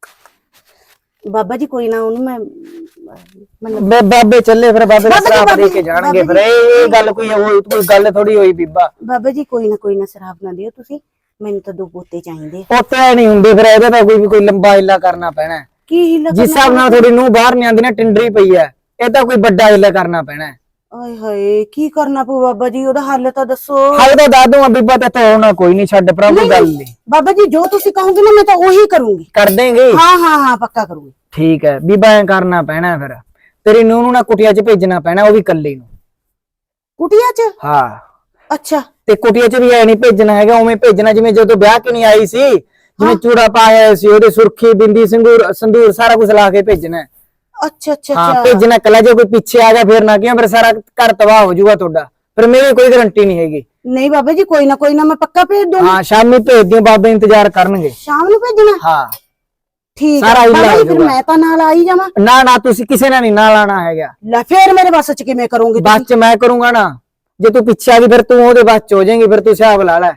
ਬਾਬਾ ਜੀ ਕੋਈ ਨਾ, ਉਹਨੂੰ ਮੈਂ ਮਤਲਬ ਬੇ ਬਾਬੇ ਚੱਲੇ, ਫਿਰ ਬਾਬੇ ਬਾਬਾ ਜੀ, ਸ਼ਰਾਬ ਦੇ ਬਾਬਾ ਕੇ ਜੀ, ਜਾਣਗੇ। ਬਾਬਾ ਫਿਰ ਇਹ ਗੱਲ ਕੋਈ ਉਹ ਕੋਈ ਗੱਲ ਥੋੜੀ ਹੋਈ ਬੀਬਾ। ਬਾਬਾ ਜੀ ਕੋਈ ਨਾ ਕੋਈ ਨਾ, ਸ਼ਰਾਬ ਨਾ ਦਿਓ ਤੁਸੀਂ, ਮੈਨੂੰ ਤਾਂ ਦੋ ਪੋਤੇ ਚਾਹੀਦੇ। ਪੋਤੇ ਨਹੀਂ ਹੁੰਦੇ, ਫਿਰ ਇਹਦਾ ਤਾਂ ਕੋਈ ਕੋਈ ਲੰਬਾ ਹਿੱਲਾ ਕਰਨਾ ਪੈਣਾ ਹੈ। ਕੀ ਹੀਲਾ ਜਿਸ ਹਿਸਾਬ ਨਾਲ ਥੋੜੀ ਨੂੰ ਬਾਹਰ ਨਹੀਂ ਆਉਂਦੀ ਨਾ, ਟਿੰਡਰੀ ਪਈ ਹੈ, ਇਹ ਤਾਂ ਕੋਈ ਵੱਡਾ ਹਿੱਲਾ ਕਰਨਾ ਪੈਣਾ ਹੈ। ਓਏ ਹੋਏ ਕੀ ਕਰਨਾ ਪਊ ਬਾਬਾ ਜੀ, ਉਹਦਾ ਹੱਲ ਤਾਂ ਦੱਸੋ। ਹਾਲੇ ਤਾਂ ਦੱਸ ਦੂੰਗਾ ਬੀਬਾ, ਤੇ ਤਾਂ ਹੋਣਾ ਕੋਈ ਨਹੀਂ, ਛੱਡ ਭਰਾ ਕੋਈ ਗੱਲ ਨਹੀਂ। ਬਾਬਾ ਜੀ ਜੋ ਤੁਸੀਂ ਕਹੋਗੇ ਨਾ, ਮੈਂ ਤਾਂ ਉਹੀ ਕਰੂੰਗੀ। ਕਰ ਦੇਂਗੇ? ਹਾਂ ਹਾਂ ਹਾਂ ਪੱਕਾ ਕਰੂੰਗੀ। ਠੀਕ ਹੈ ਬੀਬਾ, ਐ ਕਰਨਾ ਪੈਣਾ, ਫਿਰ ਤੇਰੀ ਨੂੰਹ ਨੂੰ ਨਾ ਕੁਟਿਆ 'ਚ ਭੇਜਣਾ ਪੈਣਾ, ਉਹ ਵੀ ਕੱਲੀ ਨੂੰ। ਕੁਟੀਆ ਚ? ਹਾਂ, ਅੱਛਾ ਤੇ ਕੁਟਿਆ 'ਚ ਵੀ ਐ ਨਹੀਂ ਭੇਜਣਾ ਹੈਗਾ, ਉਵੇਂ ਭੇਜਣਾ ਜਿਵੇਂ ਜਦੋਂ ਵਿਆਹ ਕਿ ਨਹੀਂ ਆਈ ਸੀ, ਜਿਵੇਂ ਚੂੜਾ ਪਾਇਆ ਸੀ, ਉਹਦੇ ਸੁਰਖੀ ਬਿੰਦੀ ਸੰਗੂਰ ਸੰਦੂਰ ਸਾਰਾ ਕੁਝ ਲਾ ਕੇ ਭੇਜਣਾ ਹੈ। ਅੱਛਾ ਅੱਛਾ ਹਾਂ ਅੱਛਾ ਭੇਜਣਾ ਕੱਲਾ, ਜੇ ਕੋਈ ਪਿੱਛੇ ਆ ਗਿਆ ਫਿਰ ਨਾ ਕਿਹਾ, ਫਿਰ ਸਾਰਾ ਘਰ ਤਬਾਹ ਹੋ ਜਾਊਗਾ ਤੁਹਾਡਾ, ਫਿਰ ਮੇਰੀ ਕੋਈ ਗਾਰੰਟੀ ਨਹੀਂ ਹੈਗੀ। ਨਹੀਂ ਬਾਬਾ ਜੀ ਕੋਈ ਨਾ ਕੋਈ ਨਾ, ਮੈਂ ਪੱਕਾ ਭੇਜ ਦੂੰਗੀ। ਹਾਂ ਸ਼ਾਮੀ ਭੇਜ ਦਿਓ, ਬਾਬੇ ਇੰਤਜ਼ਾਰ ਕਰਨਗੇ। ਸ਼ਾਮ ਨੂੰ ਭੇਜਣਾ? ਹਾਂ ਠੀਕ ਸਾਰਾ ਹੈ ਹਿੱਲਾ ਬਾਬਾ ਹੋ ਜੀ, ਫਿਰ ਜਾਊਗਾ। ਮੈਂ ਤਾਂ ਨਾਲ ਆਈ ਜਾਵਾਂ? ਨਾ ਨਾ ਤੁਸੀਂ ਕਿਸੇ ਨੇ ਨਹੀਂ ਨਾਲ ਆਣਾ ਹੈਗਾ, ਲੈ ਫੇਰ ਮੇਰੇ ਵੱਸ ਚ ਕਿਵੇਂ ਕਰੋਗੇ ਤੁਸੀਂ? ਬਸ ਚ ਮੈਂ ਕਰੂੰਗਾ ਨਾ। ਜੇ ਤੂੰ ਪਿੱਛੇ ਆ ਗਈ ਫਿਰ ਤੂੰ ਉਹਦੇ ਬਸ ਚ ਹੋ ਜਾਏਗੀ, ਫਿਰ ਤੂੰ ਹਿਸਾਬ ਲਾ ਲੈ।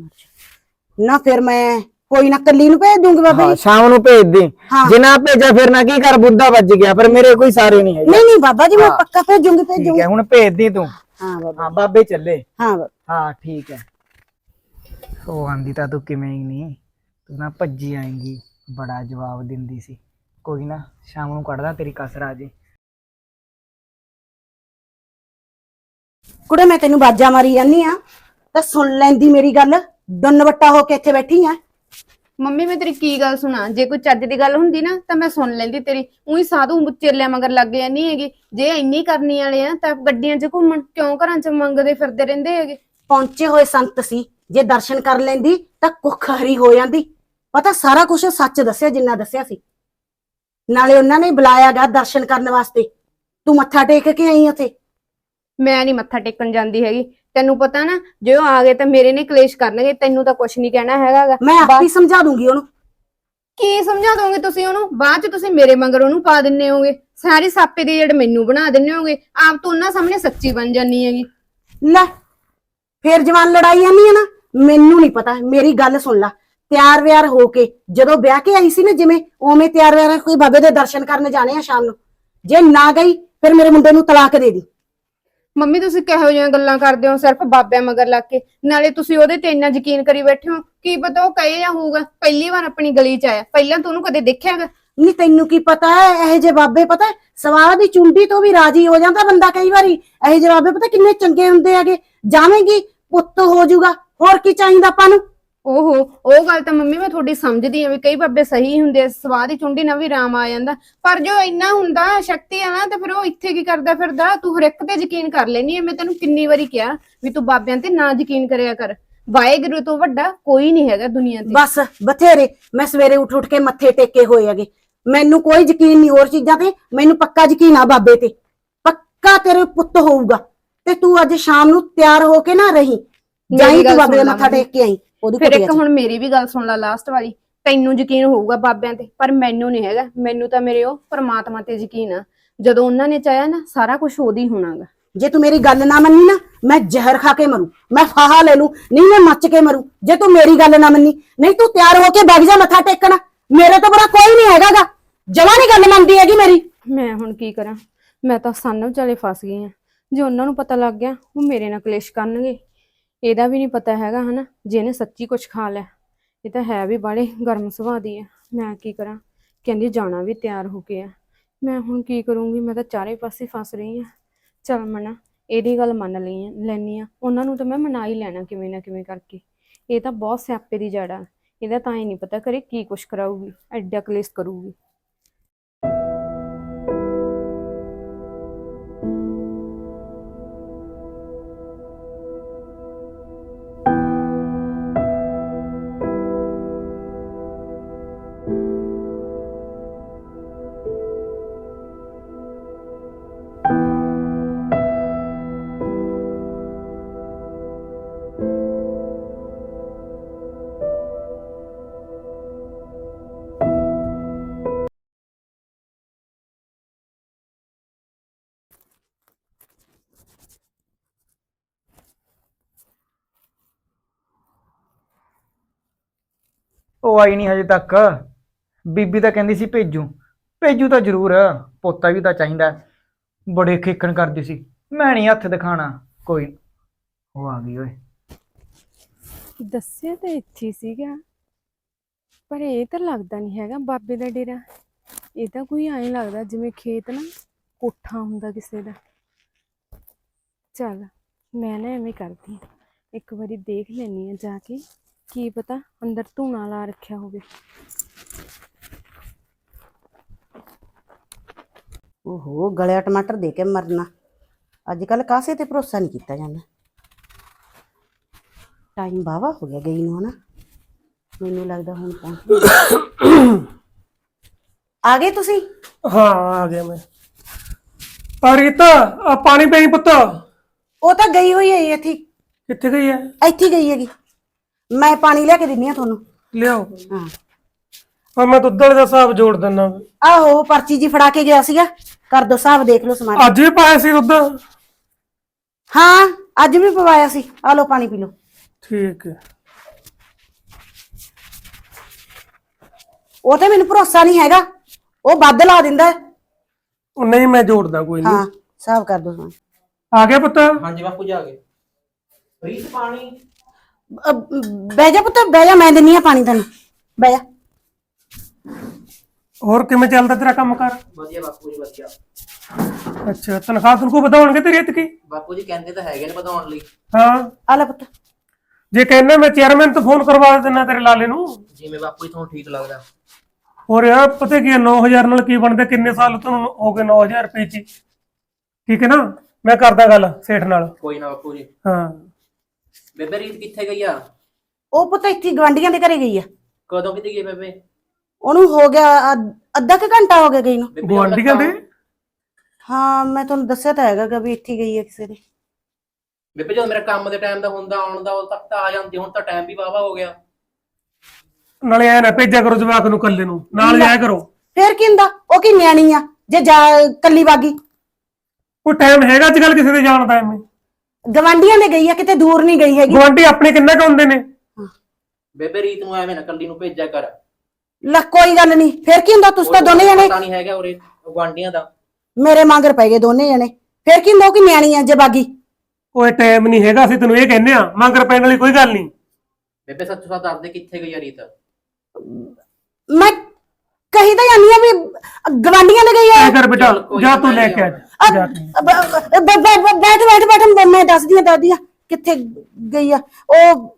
ਨਾ ਫਿਰ ਮੈਂ ਕੋਈ ਨਾ ਕੱਲੀ ਨੂੰ ਭੇਜ ਦੂੰਗੀ ਬਾਬਾ ਹਾਂ ਜੀ। ਸ਼ਾਮ ਨੂੰ ਭੇਜ ਦੇ, ਹਾਂ। ਜੇ ਨਾ ਭੇਜਿਆ ਫਿਰ ਨਾ ਕੀ ਕਰ, ਬੁੱਧਾ ਵੱਜ ਗਿਆ, ਪਰ ਮੇਰੇ ਕੋਈ ਸਾਰੇ ਨਹੀਂ ਹੈਗੇ। ਨਹੀਂ ਨਹੀਂ ਬਾਬਾ ਜੀ, ਮੈਂ ਹਾਂ। ਪੱਕਾ ਭੇਜੂੰਗੀ ਠੀਕ ਭੇਜੂੰਗੀ। ਹੈ, ਹੁਣ ਭੇਜ ਦੀ ਤੂੰ। ਹਾਂ ਬਾਬਾ ਹਾਂ ਬਾਬੇ ਚੱਲੇ। ਹਾਂ ਬਾਬਾ। ਹਾਂ ਠੀਕ ਹੈ। ਉਹ ਆਂਦੀ ਤਾਂ ਤੂੰ ਕਿਵੇਂ ਹੀ ਨਹੀਂ, ਤੂੰ ਨਾ ਭੱਜੀ ਆਏਂਗੀ, ਬੜਾ ਜਵਾਬ ਦਿੰਦੀ ਸੀ। ਕੋਈ ਨਾ ਸ਼ਾਮ ਨੂੰ ਕੱਢਦਾ ਤੇਰੀ ਕਸਰ ਆ ਜੇ। ਕੁੜੇ ਮੈਂ ਤੈਨੂੰ ਬਾਜਾ ਮਾਰੀ ਜਾਨੀ ਆ ਤਾਂ ਸੁਣ ਲੈਂਦੀ ਮੇਰੀ ਗੱਲ, ਦੰਨ ਵੱਟਾ ਹੋ ਕੇ ਇੱਥੇ ਬੈਠੀ ਆ। ਮੰਮੀ ਮੈਂ ਤੇਰੀ ਕੀ ਗੱਲ ਸੁਣਾ, ਜੇ ਕੋਈ ਚੱਜ ਦੀ ਗੱਲ ਹੁੰਦੀ ਨਾ ਤਾਂ ਮੈਂ ਸੁਣ ਲੈਂਦੀ ਤੇਰੀ। ਉਹੀ ਸਾਧੂ ਚੇਲਿਆਂ ਮਗਰ ਲੱਗ ਜਾਂਦੀ ਹੈਗੀ। ਜੇ ਇੰਨੀ ਕਰਨੀ ਵਾਲੇ ਆ ਤਾਂ ਗੱਡੀਆਂ 'ਚ ਘੁੰਮਣ, ਕਿਉਂ ਘਰਾਂ 'ਚ ਮੰਗਦੇ ਫਿਰਦੇ ਰਹਿੰਦੇ ਹੈਗੇ। ਪਹੁੰਚੇ ਹੋਏ ਸੰਤ ਸੀ, ਜੇ ਦਰਸ਼ਨ ਕਰ ਲੈਂਦੀ ਤਾਂ ਕੁੱਖ ਹਰੀ ਹੋ ਜਾਂਦੀ। ਪਤਾ ਸਾਰਾ ਕੁਝ ਸੱਚ ਦੱਸਿਆ ਜਿੰਨਾ ਦੱਸਿਆ ਸੀ, ਨਾਲੇ ਉਹਨਾਂ ਨੇ ਬੁਲਾਇਆ ਗਾ ਦਰਸ਼ਨ ਕਰਨ ਵਾਸਤੇ। ਤੂੰ ਮੱਥਾ ਟੇਕ ਕੇ ਆਈ ਉੱਥੇ। ਮੈਂ ਨਹੀਂ ਮੱਥਾ ਟੇਕਣ ਜਾਂਦੀ ਹੈਗੀ, ਤੈਨੂੰ ਪਤਾ ਨਾ ਜੇ ਉਹ ਆ ਗਏ ਤਾਂ ਮੇਰੇ ਨੇ ਕਲੇਸ਼ ਕਰਨਗੇ, ਤੈਨੂੰ ਤਾਂ ਕੁਛ ਨਹੀਂ ਕਹਿਣਾ ਹੈਗਾ ਗਾ। ਮੈਂ ਆਪੇ ਸਮਝਾ ਦੂੰਗੀ ਉਹਨੂੰ। ਕੀ ਸਮਝਾ ਦੋਗੇ ਤੁਸੀਂ ਉਹਨੂੰ? ਬਾਅਦ ਚ ਤੁਸੀਂ ਮੇਰੇ ਮਗਰ ਉਹਨੂੰ ਪਾ ਦਿੰਨੇ ਹੋਗੇ, ਸਾਰੀ ਸਾਪੇ ਦੀ ਜੜ ਮੈਨੂੰ ਬਣਾ ਦਿੰਨੇ ਹੋਗੇ, ਆਪ ਤੋਂ ਉਹਨਾਂ ਸਾਹਮਣੇ ਸੱਚੀ ਬਣ ਜਾਨੀ ਹੈਗੀ। ਲੈ ਫੇਰ ਜਵਾਨ ਲੜਾਈ ਆਨੀ ਹੈ ਨਾ, ਮੈਨੂੰ ਨਹੀਂ ਪਤਾ। ਮੇਰੀ ਗੱਲ ਸੁਣ ਲੈ, ਤਿਆਰ ਵਿਆਰ ਹੋ ਕੇ ਜਦੋਂ ਵਿਆਹ ਕੇ ਆਈ ਸੀ ਨਾ, ਜਿਵੇਂ ਉਵੇਂ ਤਿਆਰ ਵਿਆਰ ਕੋਈ ਬਾਬੇ ਦੇ ਦਰਸ਼ਨ ਕਰਨ ਜਾਣੇ ਆ ਸ਼ਾਮ ਨੂੰ। ਜੇ ਨਾ ਗਈ ਫਿਰ ਮੇਰੇ ਮੁੰਡੇ ਨੂੰ ਤਲਾਕ ਦੇ ਦੀ। ਮੰਮੀ ਤੁਸੀਂ ਕਿਹੋ ਜਿਹੀਆਂ ਗੱਲਾਂ ਕਰਦੇ ਹੋ ਸਿਰਫ ਬਾਬਿਆਂ ਮਗਰ ਲੱਗ ਕੇ? ਨਾਲੇ ਤੁਸੀਂ ਉਹਦੇ ਤੇ ਇੰਨਾ ਯਕੀਨ ਕਰੀ ਬੈਠੇ ਹੋ, ਕੀ ਪਤਾ ਉਹ ਕਹੇ ਜਾਂ ਹੋਊਗਾ। ਪਹਿਲੀ ਵਾਰ ਆਪਣੀ ਗਲੀ 'ਚ ਆਇਆ, ਪਹਿਲਾਂ ਤਾਂ ਉਹਨੂੰ ਕਦੇ ਦੇਖਿਆਗਾ? ਨਹੀਂ ਤੈਨੂੰ ਕੀ ਪਤਾ ਹੈ, ਇਹੋ ਜਿਹੇ ਬਾਬੇ ਪਤਾ ਸਵਾਹ ਦੀ ਚੁੰਡੀ ਤੋਂ ਵੀ ਰਾਜੀ ਹੋ ਜਾਂਦਾ ਬੰਦਾ ਕਈ ਵਾਰੀ। ਇਹੋ ਜਿਹੇ ਬਾਬੇ ਪਤਾ ਕਿੰਨੇ ਚੰਗੇ ਹੁੰਦੇ ਹੈਗੇ। ਜਾਵੇਂਗੀ ਪੁੱਤ ਹੋ ਜਾਊਗਾ, ਹੋਰ ਕੀ ਚਾਹੀਦਾ ਆਪਾਂ ਨੂੰ। ਓਹੋ, ਉਹ ਗੱਲ ਤਾਂ ਮੰਮੀ ਮੈਂ ਤੁਹਾਡੀ ਸਮਝਦੀ ਆ ਵੀ ਕਈ ਬਾਬੇ ਸਹੀ ਹੁੰਦੇ ਆ, ਸਵਾਹ ਦੀ ਚੁੰਡੀ ਨਾਲ ਵੀ ਰਾਮ ਆ ਜਾਂਦਾ, ਪਰ ਜੋ ਇੰਨਾ ਹੁੰਦਾ ਸ਼ਕਤੀ ਆ ਨਾ ਤੇ ਫਿਰ ਉਹ ਇੱਥੇ ਕੀ ਕਰਦਾ ਫਿਰਦਾ? ਤੂੰ ਹਰ ਇੱਕ ਤੇ ਯਕੀਨ ਕਰ ਲੈਨੀ ਆ। ਮੈਂ ਤੈਨੂੰ ਕਿੰਨੀ ਵਾਰੀ ਕਿਹਾ ਵੀ ਤੂੰ ਬਾਬਿਆਂ ਤੇ ਨਾ ਯਕੀਨ ਕਰਿਆ ਕਰ। ਵਾਹਿਗੁਰੂ ਤੋਂ ਵੱਡਾ ਕੋਈ ਨਹੀਂ ਹੈਗਾ ਦੁਨੀਆ ਤੇ। ਬਸ ਬਥੇਰੇ ਮੈਂ ਸਵੇਰੇ ਉੱਠ ਉੱਠ ਕੇ ਮੱਥੇ ਟੇਕੇ ਹੋਏ ਹੈਗੇ, ਮੈਨੂੰ ਕੋਈ ਯਕੀਨ ਨਹੀਂ ਹੋਰ ਚੀਜ਼ਾਂ ਤੇ, ਮੈਨੂੰ ਪੱਕਾ ਯਕੀਨ ਆ ਬਾਬੇ ਤੇ। ਪੱਕਾ ਤੇਰੇ ਪੁੱਤ ਹੋਊਗਾ। ਤੇ ਤੂੰ ਅੱਜ ਸ਼ਾਮ ਨੂੰ ਤਿਆਰ ਹੋ ਕੇ ਨਾ ਰਹੀ, ਜਾਈ ਤੂੰ ਬਾਬੇ ਦੇ ਮੱਥਾ ਟੇਕ ਕੇ ਆਈ। ਉਹਦੀ ਫਿਰ ਕੁੜੀ ਇੱਕ ਹੁਣ ਮੇਰੀ ਵੀ ਗੱਲ ਸੁਣ ਲੈ ਲਾਸਟ ਵਾਲੀ। ਤੈਨੂੰ ਯਕੀਨ ਹੋਊਗਾ ਬਾਬਿਆਂ ਤੇ, ਪਰ ਮੈਨੂੰ ਨਹੀਂ ਹੈਗਾ। ਮੈਨੂੰ ਤਾਂ ਮੇਰੇ ਉਹ ਪ੍ਰਮਾਤਮਾ ਤੇ ਯਕੀਨ ਆ। ਜਦੋਂ ਉਹਨਾਂ ਨੇ ਚਾਹਿਆ ਨਾ ਸਾਰਾ ਕੁਝ ਉਹਦੀ ਹੋਣਾਗਾ। ਜੇ ਤੂੰ ਮੇਰੀ ਗੱਲ ਨਾ ਮੰਨੀ ਨਾ, ਮੈਂ ਜ਼ਹਿਰ ਖਾ ਕੇ ਮਰੂ, ਮੈਂ ਫਾਹਾ ਲੈ ਲੂ, ਨਹੀਂ ਮੈਂ ਮੱਚ ਕੇ ਮਰੂ ਜੇ ਤੂੰ ਮੇਰੀ ਗੱਲ ਨਾ ਮੰਨੀ। ਨਹੀਂ ਤੂੰ ਤਿਆਰ ਹੋ ਕੇ ਬੈਠ ਜਾ ਮੱਥਾ ਟੇਕਣ, ਮੇਰੇ ਤੋਂ ਬੜਾ ਕੋਈ ਨਹੀਂ ਹੈਗਾਗਾ। ਜਮਾਂ ਨਹੀਂ ਗੱਲ ਮੰਨਦੀ ਹੈਗੀ ਮੇਰੀ। ਮੈਂ ਹੁਣ ਕੀ ਕਰਾਂ? ਮੈਂ ਤਾਂ ਸੰਨ ਵਿਚਾਲੇ ਫਸ ਗਈ ਆ। ਜੇ ਉਹਨਾਂ ਨੂੰ ਪਤਾ ਲੱਗ ਗਿਆ ਉਹ ਮੇਰੇ ਨਾਲ ਕਲੇਸ਼ ਕਰਨਗੇ। ਇਹਦਾ ਵੀ ਨਹੀਂ ਪਤਾ ਹੈਗਾ ਹਨਾ, ਜੇ ਇਹਨੇ ਸੱਚੀ ਕੁਝ ਖਾ ਲਿਆ। ਇਹ ਤਾਂ ਹੈ ਵੀ ਬਾਹਲੇ ਗਰਮ ਸੁਭਾਅ ਦੀ ਆ। ਮੈਂ ਕੀ ਕਰਾਂ? ਕਹਿੰਦੀ ਜਾਣਾ ਵੀ ਤਿਆਰ ਹੋ ਕੇ ਆ। ਮੈਂ ਹੁਣ ਕੀ ਕਰੂੰਗੀ? ਮੈਂ ਤਾਂ ਚਾਰੇ ਪਾਸੇ ਫਸ ਰਹੀ ਆ। ਚੱਲ ਮਨਾ, ਇਹਦੀ ਗੱਲ ਮੰਨ ਲਈ ਲੈਣੀ ਆ, ਉਹਨਾਂ ਨੂੰ ਤਾਂ ਮੈਂ ਮਨਾ ਹੀ ਲੈਣਾ ਕਿਵੇਂ ਨਾ ਕਿਵੇਂ ਕਰਕੇ। ਇਹ ਤਾਂ ਬਹੁਤ ਸਿਆਪੇ ਦੀ ਜੜ ਆ, ਇਹਦਾ ਤਾਂ ਹੀ ਨਹੀਂ ਪਤਾ ਕਰੇ ਕੀ ਕੁਛ ਕਰਾਊਗੀ, ਐਡਾ ਕਲੇਸ਼ ਕਰੂਗੀ। ਉਹ ਆਈ ਨਹੀਂ ਹਜੇ ਤੱਕ। ਬੀਬੀ ਤਾਂ ਕਹਿੰਦੀ ਸੀ ਭੇਜੂ ਭੇਜੂ ਤਾਂ ਜ਼ਰੂਰ, ਪੋਤਾ ਵੀ ਤਾਂ ਚਾਹੀਦਾ। ਬੜੇ ਖੇਖਣ ਕਰਦੀ ਸੀ, ਮੈਂ ਨਹੀਂ ਹੱਥ ਦਿਖਾਣਾ। ਕੋਈ ਨੀ। ਉਹ ਆ ਗਈ ਓਏ। ਦੱਸਿਆ ਤਾਂ ਇੱਥੇ ਹੀ ਸੀਗਾ, ਪਰ ਇਹ ਤਾਂ ਲੱਗਦਾ ਨਹੀਂ ਹੈਗਾ ਬਾਬੇ ਦਾ ਡੇਰਾ। ਇਹ ਤਾਂ ਕੋਈ ਐਂ ਲੱਗਦਾ ਜਿਵੇਂ ਖੇਤ ਨਾ ਕੋਠਾ ਹੁੰਦਾ ਕਿਸੇ ਦਾ। ਚੱਲ ਮੈਂ ਨਾ ਐਵੇਂ ਕਰਦੀ ਹਾਂ, ਇੱਕ ਵਾਰੀ ਦੇਖ ਲੈਂਦੀ ਹਾਂ ਜਾ ਕੇ, ਕੀ ਪਤਾ ਅੰਦਰ ਧੂਣਾ ਲਾ ਰੱਖਿਆ ਹੋਵੇ। ਓਹੋ, ਗਲਿਆ ਟਮਾਟਰ ਦੇ ਕੇ ਮਰਨਾ। ਅੱਜ ਕੱਲ ਕਾਸੇ ਤੇ ਭਰੋਸਾ ਨਹੀਂ ਕੀਤਾ ਜਾਂਦਾ। ਟਾਈਮ ਵਾਹਵਾ ਹੋ ਗਿਆ ਗਈ ਨੂੰ, ਹਨਾ? ਮੈਨੂੰ ਲੱਗਦਾ ਹੁਣ ਪਹੁੰਚ ਆ ਗਏ ਤੁਸੀਂ। ਹਾਂ ਆ ਗਿਆ ਮੈਂ। ਆ ਰੀਤਾ, ਆ ਪਾਣੀ ਪਈ ਪੁੱਤ। ਉਹ ਤਾਂ ਗਈ ਹੋਈ ਹੈ ਇੱਥੇ। ਕਿੱਥੇ ਗਈ ਹੈ? ਇੱਥੇ ਹੀ ਗਈ ਹੈਗੀ। ਮੈਂ ਪਾਣੀ ਲਿਆ ਕੇ ਦਿੰਨੀ ਆ ਤੁਹਾਨੂੰ। ਲਿਆਓ। ਹਾਂ ਹਾਂ ਮੈਂ ਦੁੱਧ ਵਾਲੇ ਦਾ ਹਿਸਾਬ ਜੋੜ ਦਿੰਦਾ। ਆਹੋ, ਪਰਚੀ ਜੀ ਫੜਾ ਕੇ ਗਿਆ ਸੀਗਾ। ਕਰ ਦੋ ਹਿਸਾਬ, ਦੇਖ ਲਓ ਸਮਾਨ। ਅੱਜ ਵੀ ਪਾਇਆ ਸੀ ਦੁੱਧ? ਹਾਂ ਅੱਜ ਵੀ ਪਵਾਇਆ ਸੀ। ਆ ਲਓ ਪਾਣੀ ਪੀ ਲਓ। ਠੀਕ ਹੈ। ਉਹ ਤੇ ਮੈਨੂੰ ਭਰੋਸਾ ਨਹੀਂ ਹੈਗਾ, ਉਹ ਵੱਧ ਲਾ ਦਿੰਦਾ। ਉਹ ਨਹੀਂ ਮੈਂ ਜੋੜਦਾ, ਕੋਈ ਨਹੀਂ। ਹਾਂ ਹਿਸਾਬ ਕਰ ਦੋ ਸਮਾਨ। ਆ ਗਿਆ ਪੁੱਤ? ਹਾਂਜੀ ਬਾਪੂ ਜੀ ਆ ਗਏ। ਰੀਤ ਪਾਣੀ। ਅ, ਬਹਿ ਜਾ ਪੁੱਤ, ਬਹਿ ਜਾ, ਮੈਂ ਦਿੰਨੀ ਆ ਪਾਣੀ ਤੈਨੂੰ। ਬਹਿ ਜਾ। ਹੋਰ ਕਿਵੇਂ ਚੱਲਦਾ ਤੇਰਾ ਕੰਮ ਕਰ? ਵਧੀਆ ਬਾਪੂ ਜੀ ਵਧੀਆ। ਅੱਛਾ, ਤਨਖਾਹ ਤਨਖੂ ਵਧਾਉਣਗੇ ਤੇਰੀ ਇਤਕੀ? ਬਾਪੂ ਜੀ ਕਹਿੰਦੇ ਤਾਂ ਹੈਗੇ ਨੇ ਵਧਾਉਣ ਲਈ। ਹਾਂ ਆ ਲੈ ਪੁੱਤ। ਜੇ ਕਹਿੰਦਾ ਮੈਂ ਚੇਅਰਮੈਨ ਤੋਂ ਫੋਨ ਕਰਵਾ ਦਿੰਦਾ ਤੇਰੇ ਲਾਲੇ ਨੂੰ। ਜਿਵੇਂ ਬਾਪੂ ਜੀ ਤੁਹਾਨੂੰ ਠੀਕ ਲੱਗਦਾ। ਹੋਰ ਯਾਰ ਪਤਾ ਕੀ ਨੌ ਹਜ਼ਾਰ ਨਾਲ ਕੀ ਬਣਦਾ? ਕਿੰਨੇ ਸਾਲ ਤੁਹਾਨੂੰ ਹੋ ਗਏ ਨੌ ਹਜ਼ਾਰ ਰੁਪਏ ਚ? ਠੀਕ ਹੈ ਨਾ, ਮੈਂ ਕਰਦਾ ਗੱਲ ਸੇਠ ਨਾਲ। ਕੋਈ ਨਾ ਬਾਪੂ ਜੀ। ਹਾਂ ਬੇਬੇ ਰੀਤ ਕਿੱਥੇ ਗਈ ਆ? ਉਹ ਪੁੱਤ ਇੱਥੇ ਗਵਾਂਢੀਆਂ ਦੇ ਘਰੇ ਗਈ ਆ। ਕਦੋਂ ਕਿਤੇ ਗਈ ਬੇਬੇ? ਉਹਨੂੰ ਹੋ ਗਿਆ ਅੱਧ- ਅੱਧਾ ਕੁ ਘੰਟਾ ਹੋ ਗਿਆ ਗਈ ਨੂੰ। ਬੇਬੇ ਗੁਆਂਢੀਆਂ ਦੇ? ਹਾਂ ਮੈਂ ਤੁਹਾਨੂੰ ਦੱਸਿਆ ਤਾਂ ਹੈਗਾ ਵੀ ਇੱਥੇ ਗਈ ਆ ਕਿਸੇ ਦੇ। ਬੇਬੇ ਜਦੋਂ ਮੇਰਾ ਕੰਮ ਦੇ ਟਾਈਮ ਦਾ ਹੁੰਦਾ ਆਉਣ ਦਾ, ਉਦੋਂ ਤੱਕ ਤਾਂ ਆ ਜਾਂਦੀ। ਹੁਣ ਤਾਂ ਟਾਈਮ ਵੀ ਵਾਵਾ ਹੋ ਗਿਆ। ਨਾਲੇ ਐ ਨਾ ਭੇਜਿਆ ਕਰੋ ਜਵਾਕ ਨੂੰ ਕੱਲੇ ਨੂੰ, ਨਾਲ ਜਾਇਆ ਕਰੋ। ਫੇਰ ਕੀ ਹੁੰਦਾ, ਉਹ ਕੀ ਨਿਆਣੀ ਆ ਜੇ ਜਾ ਕੱਲੀ ਬਾਗੀ। ਕੋਈ ਟਾਈਮ ਹੈਗਾ ਅੱਜ ਕੱਲ ਕਿਸੇ ਦੇ ਜਾਣ ਦਾ? ਐਵੇਂ ਗਵਾਂਢੀਆਂ ਦੇ ਗਈ ਆ, ਕਿਤੇ ਦੂਰ ਨਹੀਂ ਗਈ ਹੈਗੀ। ਗੁਆਂਢੀ ਆਪਣੇ ਕਿੰਨਾ ਕੁ ਹੁੰਦੇ ਨੇ? ਬੇਬੇ ਰੀਤ ਨੂੰ ਐਵੇਂ ਨਾ ਕੱਲੀ ਨੂੰ ਭੇਜਿਆ ਕਰ। ਲੈ ਕੋਈ ਗੱਲ ਨਹੀਂ, ਫੇਰ ਕੀ ਹੁੰਦਾ, ਤੁਸੀਂ ਤਾਂ ਦੋਨੇ ਜਣੇ ਪਤਾ ਨਹੀਂ ਹੈਗਾ ਉਰੇ ਗੁਆਂਢੀਆਂ ਦਾ। ਮੇਰੇ ਮਗਰ ਪੈ ਗਏ ਦੋਨੇ ਜਣੇ। ਫੇਰ ਕੀ ਹੁੰਦਾ, ਉਹ ਕੀ ਨਿਆਣੀ ਆ ਜੇ ਬਾਗੀ। ਕੋਈ ਟਾਈਮ ਨਹੀਂ ਹੈਗਾ, ਅਸੀਂ ਤੈਨੂੰ ਇਹ ਕਹਿੰਦੇ ਆ। ਮੰਗਰ ਪੈਣ ਵਾਲੀ ਕੋਈ ਗੱਲ ਨਹੀਂ। ਬੇਬੇ ਸੱਚੋ ਸੱਚ ਦੱਸ ਦੇ ਕਿੱਥੇ ਗਈ ਆ ਰੀਤ? ਮੈਂ ਕਹੀ ਤਾਂ ਜਾਨੀ ਆ ਵੀ ਗਵਾਂਢੀਆਂ ਦੇ ਗਈ ਆ। ਐ ਕਰ ਬੇਟਾ, ਜਾ ਤੂੰ ਲੈ ਕੇ ਆ ਜਾ ਕੇ। ਬ- ਬ- ਬ- ਬੈਠ ਬੈਠ ਬੈਠ, ਮੈਂ ਦੱਸਦੀ ਆ ਦਾਦੀ ਆ ਕਿੱਥੇ ਗਈ ਆ। ਉਹ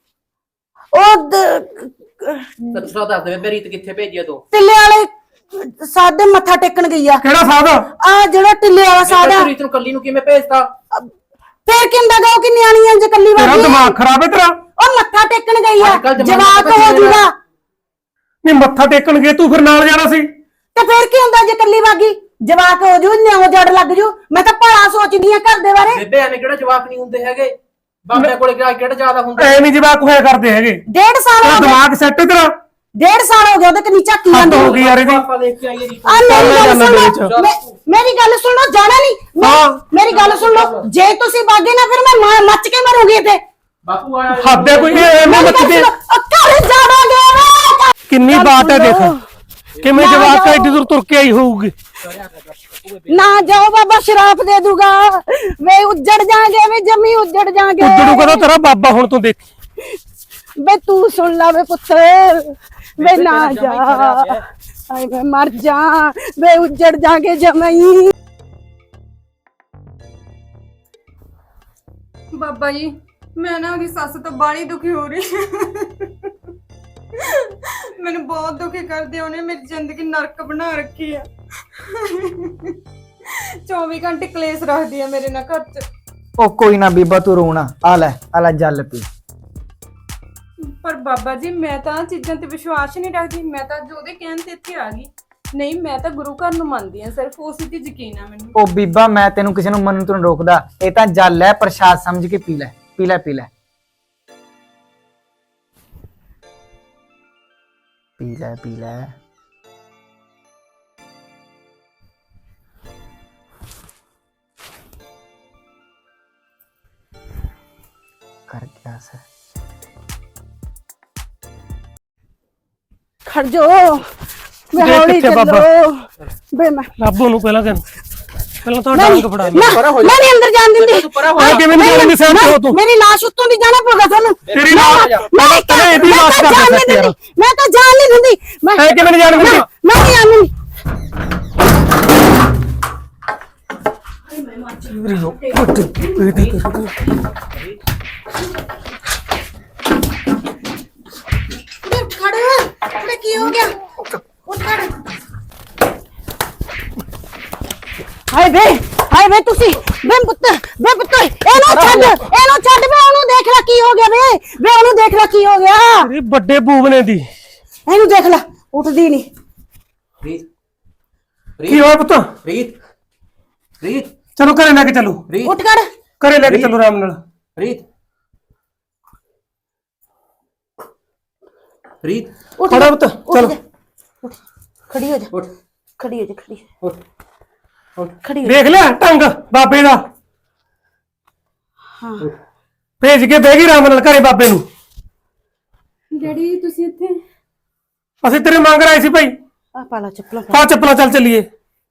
ਉਹ ਦ- ਸੱਚੋ ਸੱਚ ਦੱਸ ਦੇ ਬੇਬੇ ਰੀਤ ਕਿੱਥੇ ਭੇਜੀ ਆ ਤੂੰ? ਟਿੱਲੇ ਵਾਲੇ ਸਾਦੇ ਮੱਥਾ ਟੇਕਣ ਗਈ ਆ। ਕਿਹੜਾ ਸਾਧ? ਆ ਜਿਹੜਾ ਟਿੱਲੇ ਵਾਲਾ ਸਾਦਾ। ਤੂੰ ਰੀਤ ਨੂੰ ਕੱਲੀ ਨੂੰ ਕਿਵੇਂ ਭੇਜਤਾ? ਫੇਰ ਕੀ ਹੁੰਦਾ ਗਾ, ਉਹ ਕਿ ਨਿਆਣੀ ਆ ਜੇ ਕੱਲੀ ਤੇਰਾ ਵਾਲੀ। ਦਿਮਾਗ ਖਰਾਬ ਹੈ ਤੇਰਾ? ਉਹ ਮੱਥਾ ਟੇਕਣ ਗਈ ਆ, ਅੱਜ-ਕੱਲ੍ਹ ਜ਼ਮਾਨਾ ਜਵਾਕ ਪਤਾ ਹੋ ਕੀ ਜੂਗਾ। ਨਹੀਂ ਮੱਥਾ ਟੇਕਣ ਗਏ ਤੂੰ, ਫਿਰ ਨਾਲ ਜਾਣਾ ਸੀ। ਤੇ ਫੇਰ ਕੀ ਹੁੰਦਾ ਜੇ ਕੱਲੀ ਵਾਗੀ, ਜਵਾਕ ਹੋ ਜੂ, ਨਿਆਉ ਜੜ ਲੱਗ ਜੂ। ਮੈਂ ਤਾਂ ਭਲਾ ਸੋਚਦੀ ਆ ਘਰ ਦੇ ਬਾਰੇ। ਬੇਬੇ ਐਵੇਂ ਕਿਹੜਾ ਜਵਾਕ ਨਹੀਂ ਹੁੰਦੇ ਹੈਗੇ? ਬਾਬੇ ਕੋਲੇ ਕਿਹੜਾ ਕਿਹੜਾ ਜ਼ਿਆਦਾ ਹੁੰਦਾ? ਐ ਨਹੀਂ ਜਵਾਕ ਹੋਇਆ ਕਰਦੇ ਹੈਗੇ। ਡੇਢ ਸਾਲ ਤੇਰਾ ਹੋ ਗਿਆ, ਦਿਮਾਗ ਸੈੱਟ ਹੈ ਤੇਰਾ? ਡੇਢ ਸਾਲ ਹੋ ਗਿਆ ਉਹਦੇ ਕਨੀ ਝਾਕੀ ਹੱਦ ਜਾਂਦੀ। ਹੋ ਗਈ ਯਾਰ ਇਹਦੀ। ਆਪਾਂ ਦੇਖ ਕੇ ਆਈਏ ਰੀਤ ਆ ਮੇਰੀ ਚੱਲ ਗੱਲ ਜਾਣਾ ਸੁਣ ਦੇ ਲਓ, ਵਿੱਚ। ਮੇ- ਮੇਰੀ ਗੱਲ ਸੁਣ ਲਓ, ਜਾਣਾ ਨਹੀਂ। ਹਾਂ। ਮੇਰੀ ਗੱਲ ਸੁਣ ਲਓ, ਜੇ ਤੁਸੀਂ ਬਾਗੇ ਨਾ ਫਿਰ ਮੈਂ ਮਾਂ- ਮੱਚ ਕੇ ਮਰੂੰਗੀ ਇੱਥੇ। ਬਾਪੂ ਆਇਆ। ਹੱਦ ਹੈ ਕੋਈ? ਐਵੇਂ ਮੇਰੀ ਮੱਚ ਗੱਲ ਕੇ ਸੁਣੋ, ਉਹ ਘਰ ਜਾਵਾਂਗੇ ਵੇ। ਕਿੰਨੀ ਗੱਲ ਬਾਤ ਹੈ ਸੁਣ ਦੇਖ, ਲਓ। ਕਿਵੇਂ ਨਾ ਜਵਾਕ ਜਾਓ। ਐਡੀ ਦੂਰ ਤੁਰ ਕੇ ਆਈ ਹੋਊਗੀ। ਨਾ ਜਾਓ, ਬਾਬਾ ਸ਼ਰਾਪ ਦੇ ਦੂਗਾ। ਵੇ ਉੱਜੜ ਜਾਾਂਗੇ, ਵੇ ਜਮੀ ਉੱਜੜ ਜਾਾਂਗੇ। ਉੱਜੜੂ ਕਦੋਂ ਤੇਰਾ ਬਾਬਾ? ਹੁਣ ਤੂੰ ਦੇਖ। ਵੇ ਤੂੰ ਸੁਣ ਲਾ ਵੇ ਪੁੱਤ, ਵੇ ਨਾ ਜਾ, ਆਏ ਮੈਂ ਮਰ ਜਾ, ਵੇ ਉੱਜੜ ਜਾਾਂਗੇ ਜਮਈ। ਬਾਬਾ ਜੀ ਮੈਂ ਨਾ ਉਹਦੀ ਸੱਸ ਤੋਂ ਬਾਹਲੀ ਦੁਖੀ ਹੋ ਰਹੀ ਮੈਨੂੰ ਬਹੁਤ ਦੁਖੀ ਕਰਦੇ ਉਹਨੇ ਮੇਰੀ ਜ਼ਿੰਦਗੀ ਨਰਕ ਬਣਾ ਰੱਖੀ ਆ ਚੌਵੀ ਘੰਟੇ ਕਲੇਸ਼ ਰੱਖਦੀ ਆ ਮੇਰੇ ਨਾਲ ਘਰ 'ਚ। ਉਹ ਕੋਈ ਨਾ ਬੀਬਾ ਤੂੰ ਰੋਣਾ, ਆ ਲੈ ਆ ਲੈ ਜਲ ਪੀ। ਪਰ ਬਾਬਾ ਜੀ ਮੈਂ ਤਾਂ ਆਹ ਚੀਜ਼ਾਂ ਤੇ ਵਿਸ਼ਵਾਸ ਹੀ ਨਹੀਂ ਰੱਖਦੀ। ਮੈਂ ਤਾਂ ਜੋ ਉਹਦੇ ਕਹਿਣ ਤੇ ਇੱਥੇ ਆ ਗਈ। ਨਹੀਂ ਮੈਂ ਤਾਂ ਗੁਰੂ ਘਰ ਨੂੰ ਮੰਨਦੀ ਆ, ਸਿਰਫ ਉਸੇ ਤੇ ਯਕੀਨ ਆ ਮੈਨੂੰ। ਉਹ ਬੀਬਾ ਮੈਂ ਤੈਨੂੰ ਕਿਸੇ ਨੂੰ ਮੰਨਣ ਤੋਂ ਨੀ ਰੋਕਦਾ, ਇਹ ਤਾਂ ਜਲ ਹੈ, ਪ੍ਰਸ਼ਾਦ ਸਮਝ ਕੇ ਪੀ ਲੈ ਪੀ ਲੈ ਪੀ ਲੈ ਪੀ ਲੈ ਪੀ ਲੈ। ਕਰ ਗਿਆ ਸਰ ਖੜ ਜੋ ਮੈਂ ਦੇਖ ਹੌਲੀ ਕਿੱਥੇ ਬਾਬਾ? ਚੱਲੋ ਬੇ ਮੈਂ ਰੱਬੋ ਨੂੰ ਪਹਿਲਾਂ ਕਹਿ ਪਹਿਲਾਂ ਤਾਂ ਮੈਂ ਡਾਂਗ ਫੜਾ ਲੈ। ਮੈਂ ਨਹੀਂ ਅੰਦਰ ਜਾਣ ਦਿੰਦੀ। ਆ ਕਿਵੇਂ ਨਹੀਂ ਜਾਣਗੇ ਸਹਿਮ ਤੇ ਹੋ ਤੂੰ? ਮੇਰੀ ਲਾਸ਼ ਉੱਤੋਂ ਦੀ ਜਾਣਾ ਪਊਗਾ ਤੁਹਾਨੂੰ। ਤੇਰੀ ਲਾਸ਼ ਮੈਂ ਪਹਿਲਾਂ ਇਹਦੀ ਲਾਸ਼ ਕਰ ਜਾਣ ਦੇ ਨਹੀਂ ਯਾਰ। ਦਿੰਦੀ, ਮੈਂ ਤਾਂ ਜਾਣ ਨਹੀਂ ਦਿੰਦੀ। ਮੈਂ ਐ ਕਿਵੇਂ ਨਹੀਂ ਜਾਣ ਦਿੰਦੀ? ਮੈਂ ਨਹੀਂ ਆਉਂਦੀ। ਉੱਠ ਖੜ ਉਹਨੇ ਕੀ ਹੋ ਗਿਆ? ਉੱਠ ਖੜ। ਹਾਏ ਵੇ ਹਾਏ ਵੇ ਤੁਸੀਂ ਵੇ ਪੁੱਤ ਵੇ ਪੁੱਤ ਇਹਨੂੰ ਛੱਡ ਇਹਨੂੰ ਛੱਡ ਵੇ ਉਹਨੂੰ ਦੇਖ ਲੈ ਕੀ ਹੋ ਗਿਆ ਵੇ ਵੇ ਉਹਨੂੰ ਦੇਖ ਲੈ ਕੀ ਹੋ ਗਿਆ। ਤੇਰੀ ਵੱਡੇ ਬੂਬਨੇ ਦੀ ਇਹਨੂੰ ਦੇਖ ਲੈ ਉੱਠਦੀ ਨਹੀਂ। ਪ੍ਰੀਤ ਕੀ ਹੋਇਆ ਪੁੱਤ? ਪ੍ਰੀਤ ਪ੍ਰੀਤ ਚਲੋ ਘਰੇ ਲੈ ਕੇ ਚੱਲੋ, ਪ੍ਰੀਤ ਉੱਠ ਖੜ। ਘਰੇ ਲੈ ਕੇ ਚੱਲੋ ਆਰਾਮ ਨਾਲ। ਪ੍ਰੀਤ ਪ੍ਰੀਤ ਉੱਠ ਖੜਾ ਪੁੱਤ, ਉੱਠ ਚਲੋ। ਜਾ, ਉੱਠ, ਖੜੀ ਹੋ ਜਾ ਉੱਠ ਖੜੀ ਹੋ ਜਾ ਖੜੀ ਉੱਠ ਉੱਠ ਖੜੀ ਹੋ ਜਾ। ਦੇਖ ਲਿਆ ਢੰਗ ਬਾਬੇ ਦਾ? ਹਾਂ ਭੇਜ ਕੇ ਬਹਿ ਗਈ ਆਰਾਮ ਨਾਲ ਘਰੇ ਬਾਬੇ ਨੂੰ। ਡੈਡੀ ਤੁਸੀਂ ਇੱਥੇ? ਅਸੀਂ ਤੇਰੇ ਮੰਗ ਰਹੇ ਸੀ ਭਾਈ। ਆ ਪਾਲਾ ਚੱਪਲਾਂ ਪਾ। ਪਾ ਚੱਪਲਾਂ, ਚੱਲ ਚੱਲੀਏ।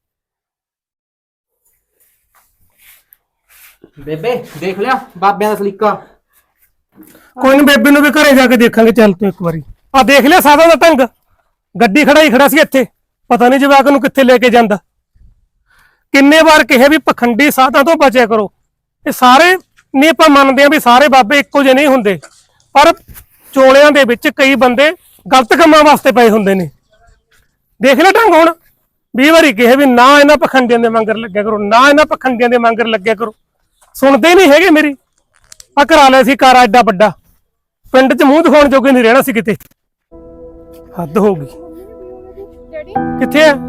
ਬੇਬੇ ਦੇਖ ਲਿਆ ਬਾਬਿਆਂ ਦਾ ਸਲੀਕਾ। ਕੋਈ ਨੀ, ਬੇਬੇ ਨੂੰ ਵੀ ਘਰੇ ਜਾ ਕੇ ਦੇਖਾਂਗੇ। ਚੱਲ ਤੂੰ ਇੱਕ ਵਾਰੀ ਆ ਦੇਖ ਲਿਆ ਸਾਦਾ ਦਾ ਢੰਗ। ਗੱਡੀ ਖੜਾ ਹੀ ਖੜਾ ਸੀ ਇੱਥੇ, ਪਤਾ ਨਹੀਂ ਜਵਾਕ ਨੂੰ ਕਿੱਥੇ ਲੈ ਕੇ ਜਾਂਦਾ। ਕਿੰਨੇ ਵਾਰ ਕਿਹਾ ਵੀ ਪਖੰਡੀ ਸਾਧਾਂ ਤੋਂ ਬਚਿਆ ਕਰੋ। ਇਹ ਸਾਰੇ ਨਹੀਂ, ਆਪਾਂ ਮੰਨਦੇ ਆ ਵੀ ਸਾਰੇ ਬਾਬੇ ਇੱਕੋ ਜਿਹੇ ਨਹੀਂ ਹੁੰਦੇ, ਪਰ ਚੋਲਿਆਂ ਦੇ ਵਿੱਚ ਕਈ ਬੰਦੇ ਗਲਤ ਕੰਮਾਂ ਵਾਸਤੇ ਪਏ ਹੁੰਦੇ ਨੇ। ਦੇਖ ਲੈ ਢੰਗ ਹੁਣ। ਵੀਹ ਵਾਰੀ ਕਿਹਾ ਵੀ ਨਾ ਇਹਨਾਂ ਪਖੰਡੀਆਂ ਦੇ ਮੰਗਰ ਲੱਗਿਆ ਕਰੋ, ਨਾ ਇਹਨਾਂ ਪਖੰਡੀਆਂ ਦੇ ਮੰਗਰ ਲੱਗਿਆ ਕਰੋ। ਸੁਣਦੇ ਨਹੀਂ ਹੈਗੇ ਮੇਰੀ। ਆ ਕਰਾ ਲਿਆ ਸੀ ਕਾਰਾ ਐਡਾ ਵੱਡਾ, ਪਿੰਡ 'ਚ ਮੂੰਹ ਦਿਖਾਉਣ ਜੋਗੇ ਨਹੀਂ ਰਹਿਣਾ ਸੀ ਕਿਤੇ। ਹੱਦ ਹੋ ਗਈ। ਡੈਡੀ ਕਿੱਥੇ ਆ?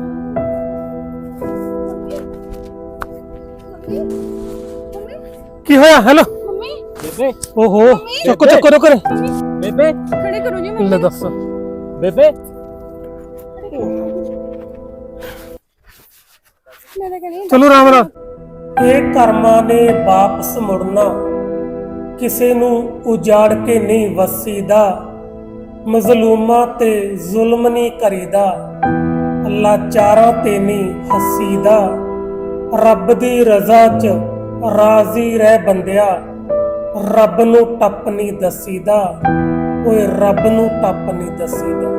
ਕੀ ਹੋਇਆ? ਹੈਲੋ ਮੰਮੀ ਬੇਬੇ ਓਹੋ, ਚੁੱਕੋ ਚੁੱਕੋ ਰੁਕ ਰੇ। ਬੇਬੇ ਖੜੇ ਕਰੋ ਜੀ ਲੈ ਮੰਮੀ। ਦੱਸ। ਬੇਬੇ ਮੈਂ ਤਾਂ ਕਹਿੰਦੀ ਚਲੋ ਆਰਾਮ ਨਾਲ। ਇਹ ਕਰਮਾਂ ਨੇ ਵਾਪਸ ਮੁੜਨਾ, ਕਿਸੇ ਨੂੰ ਉਜਾੜ ਕੇ ਨਹੀਂ ਵਸੀਦਾ। ਮਜ਼ਲੂਮਾਂ ਤੇ ਜ਼ੁਲਮ ਨਹੀਂ ਕਰੀਦਾ, ਲਾਚਾਰਾਂ ਤੇ ਨਹੀਂ ਹੱਸੀਦਾ। ਰੱਬ ਦੀ ਰਜ਼ਾ 'ਚ ਰਾਜ਼ੀ ਰਹਿ ਬੰਦਿਆ, ਰੱਬ ਨੂੰ ਟੱਪ ਨਹੀਂ ਦਸੀਦਾ। ਓਏ ਰੱਬ ਨੂੰ ਟੱਪ ਨਹੀਂ ਦਸੀਦਾ।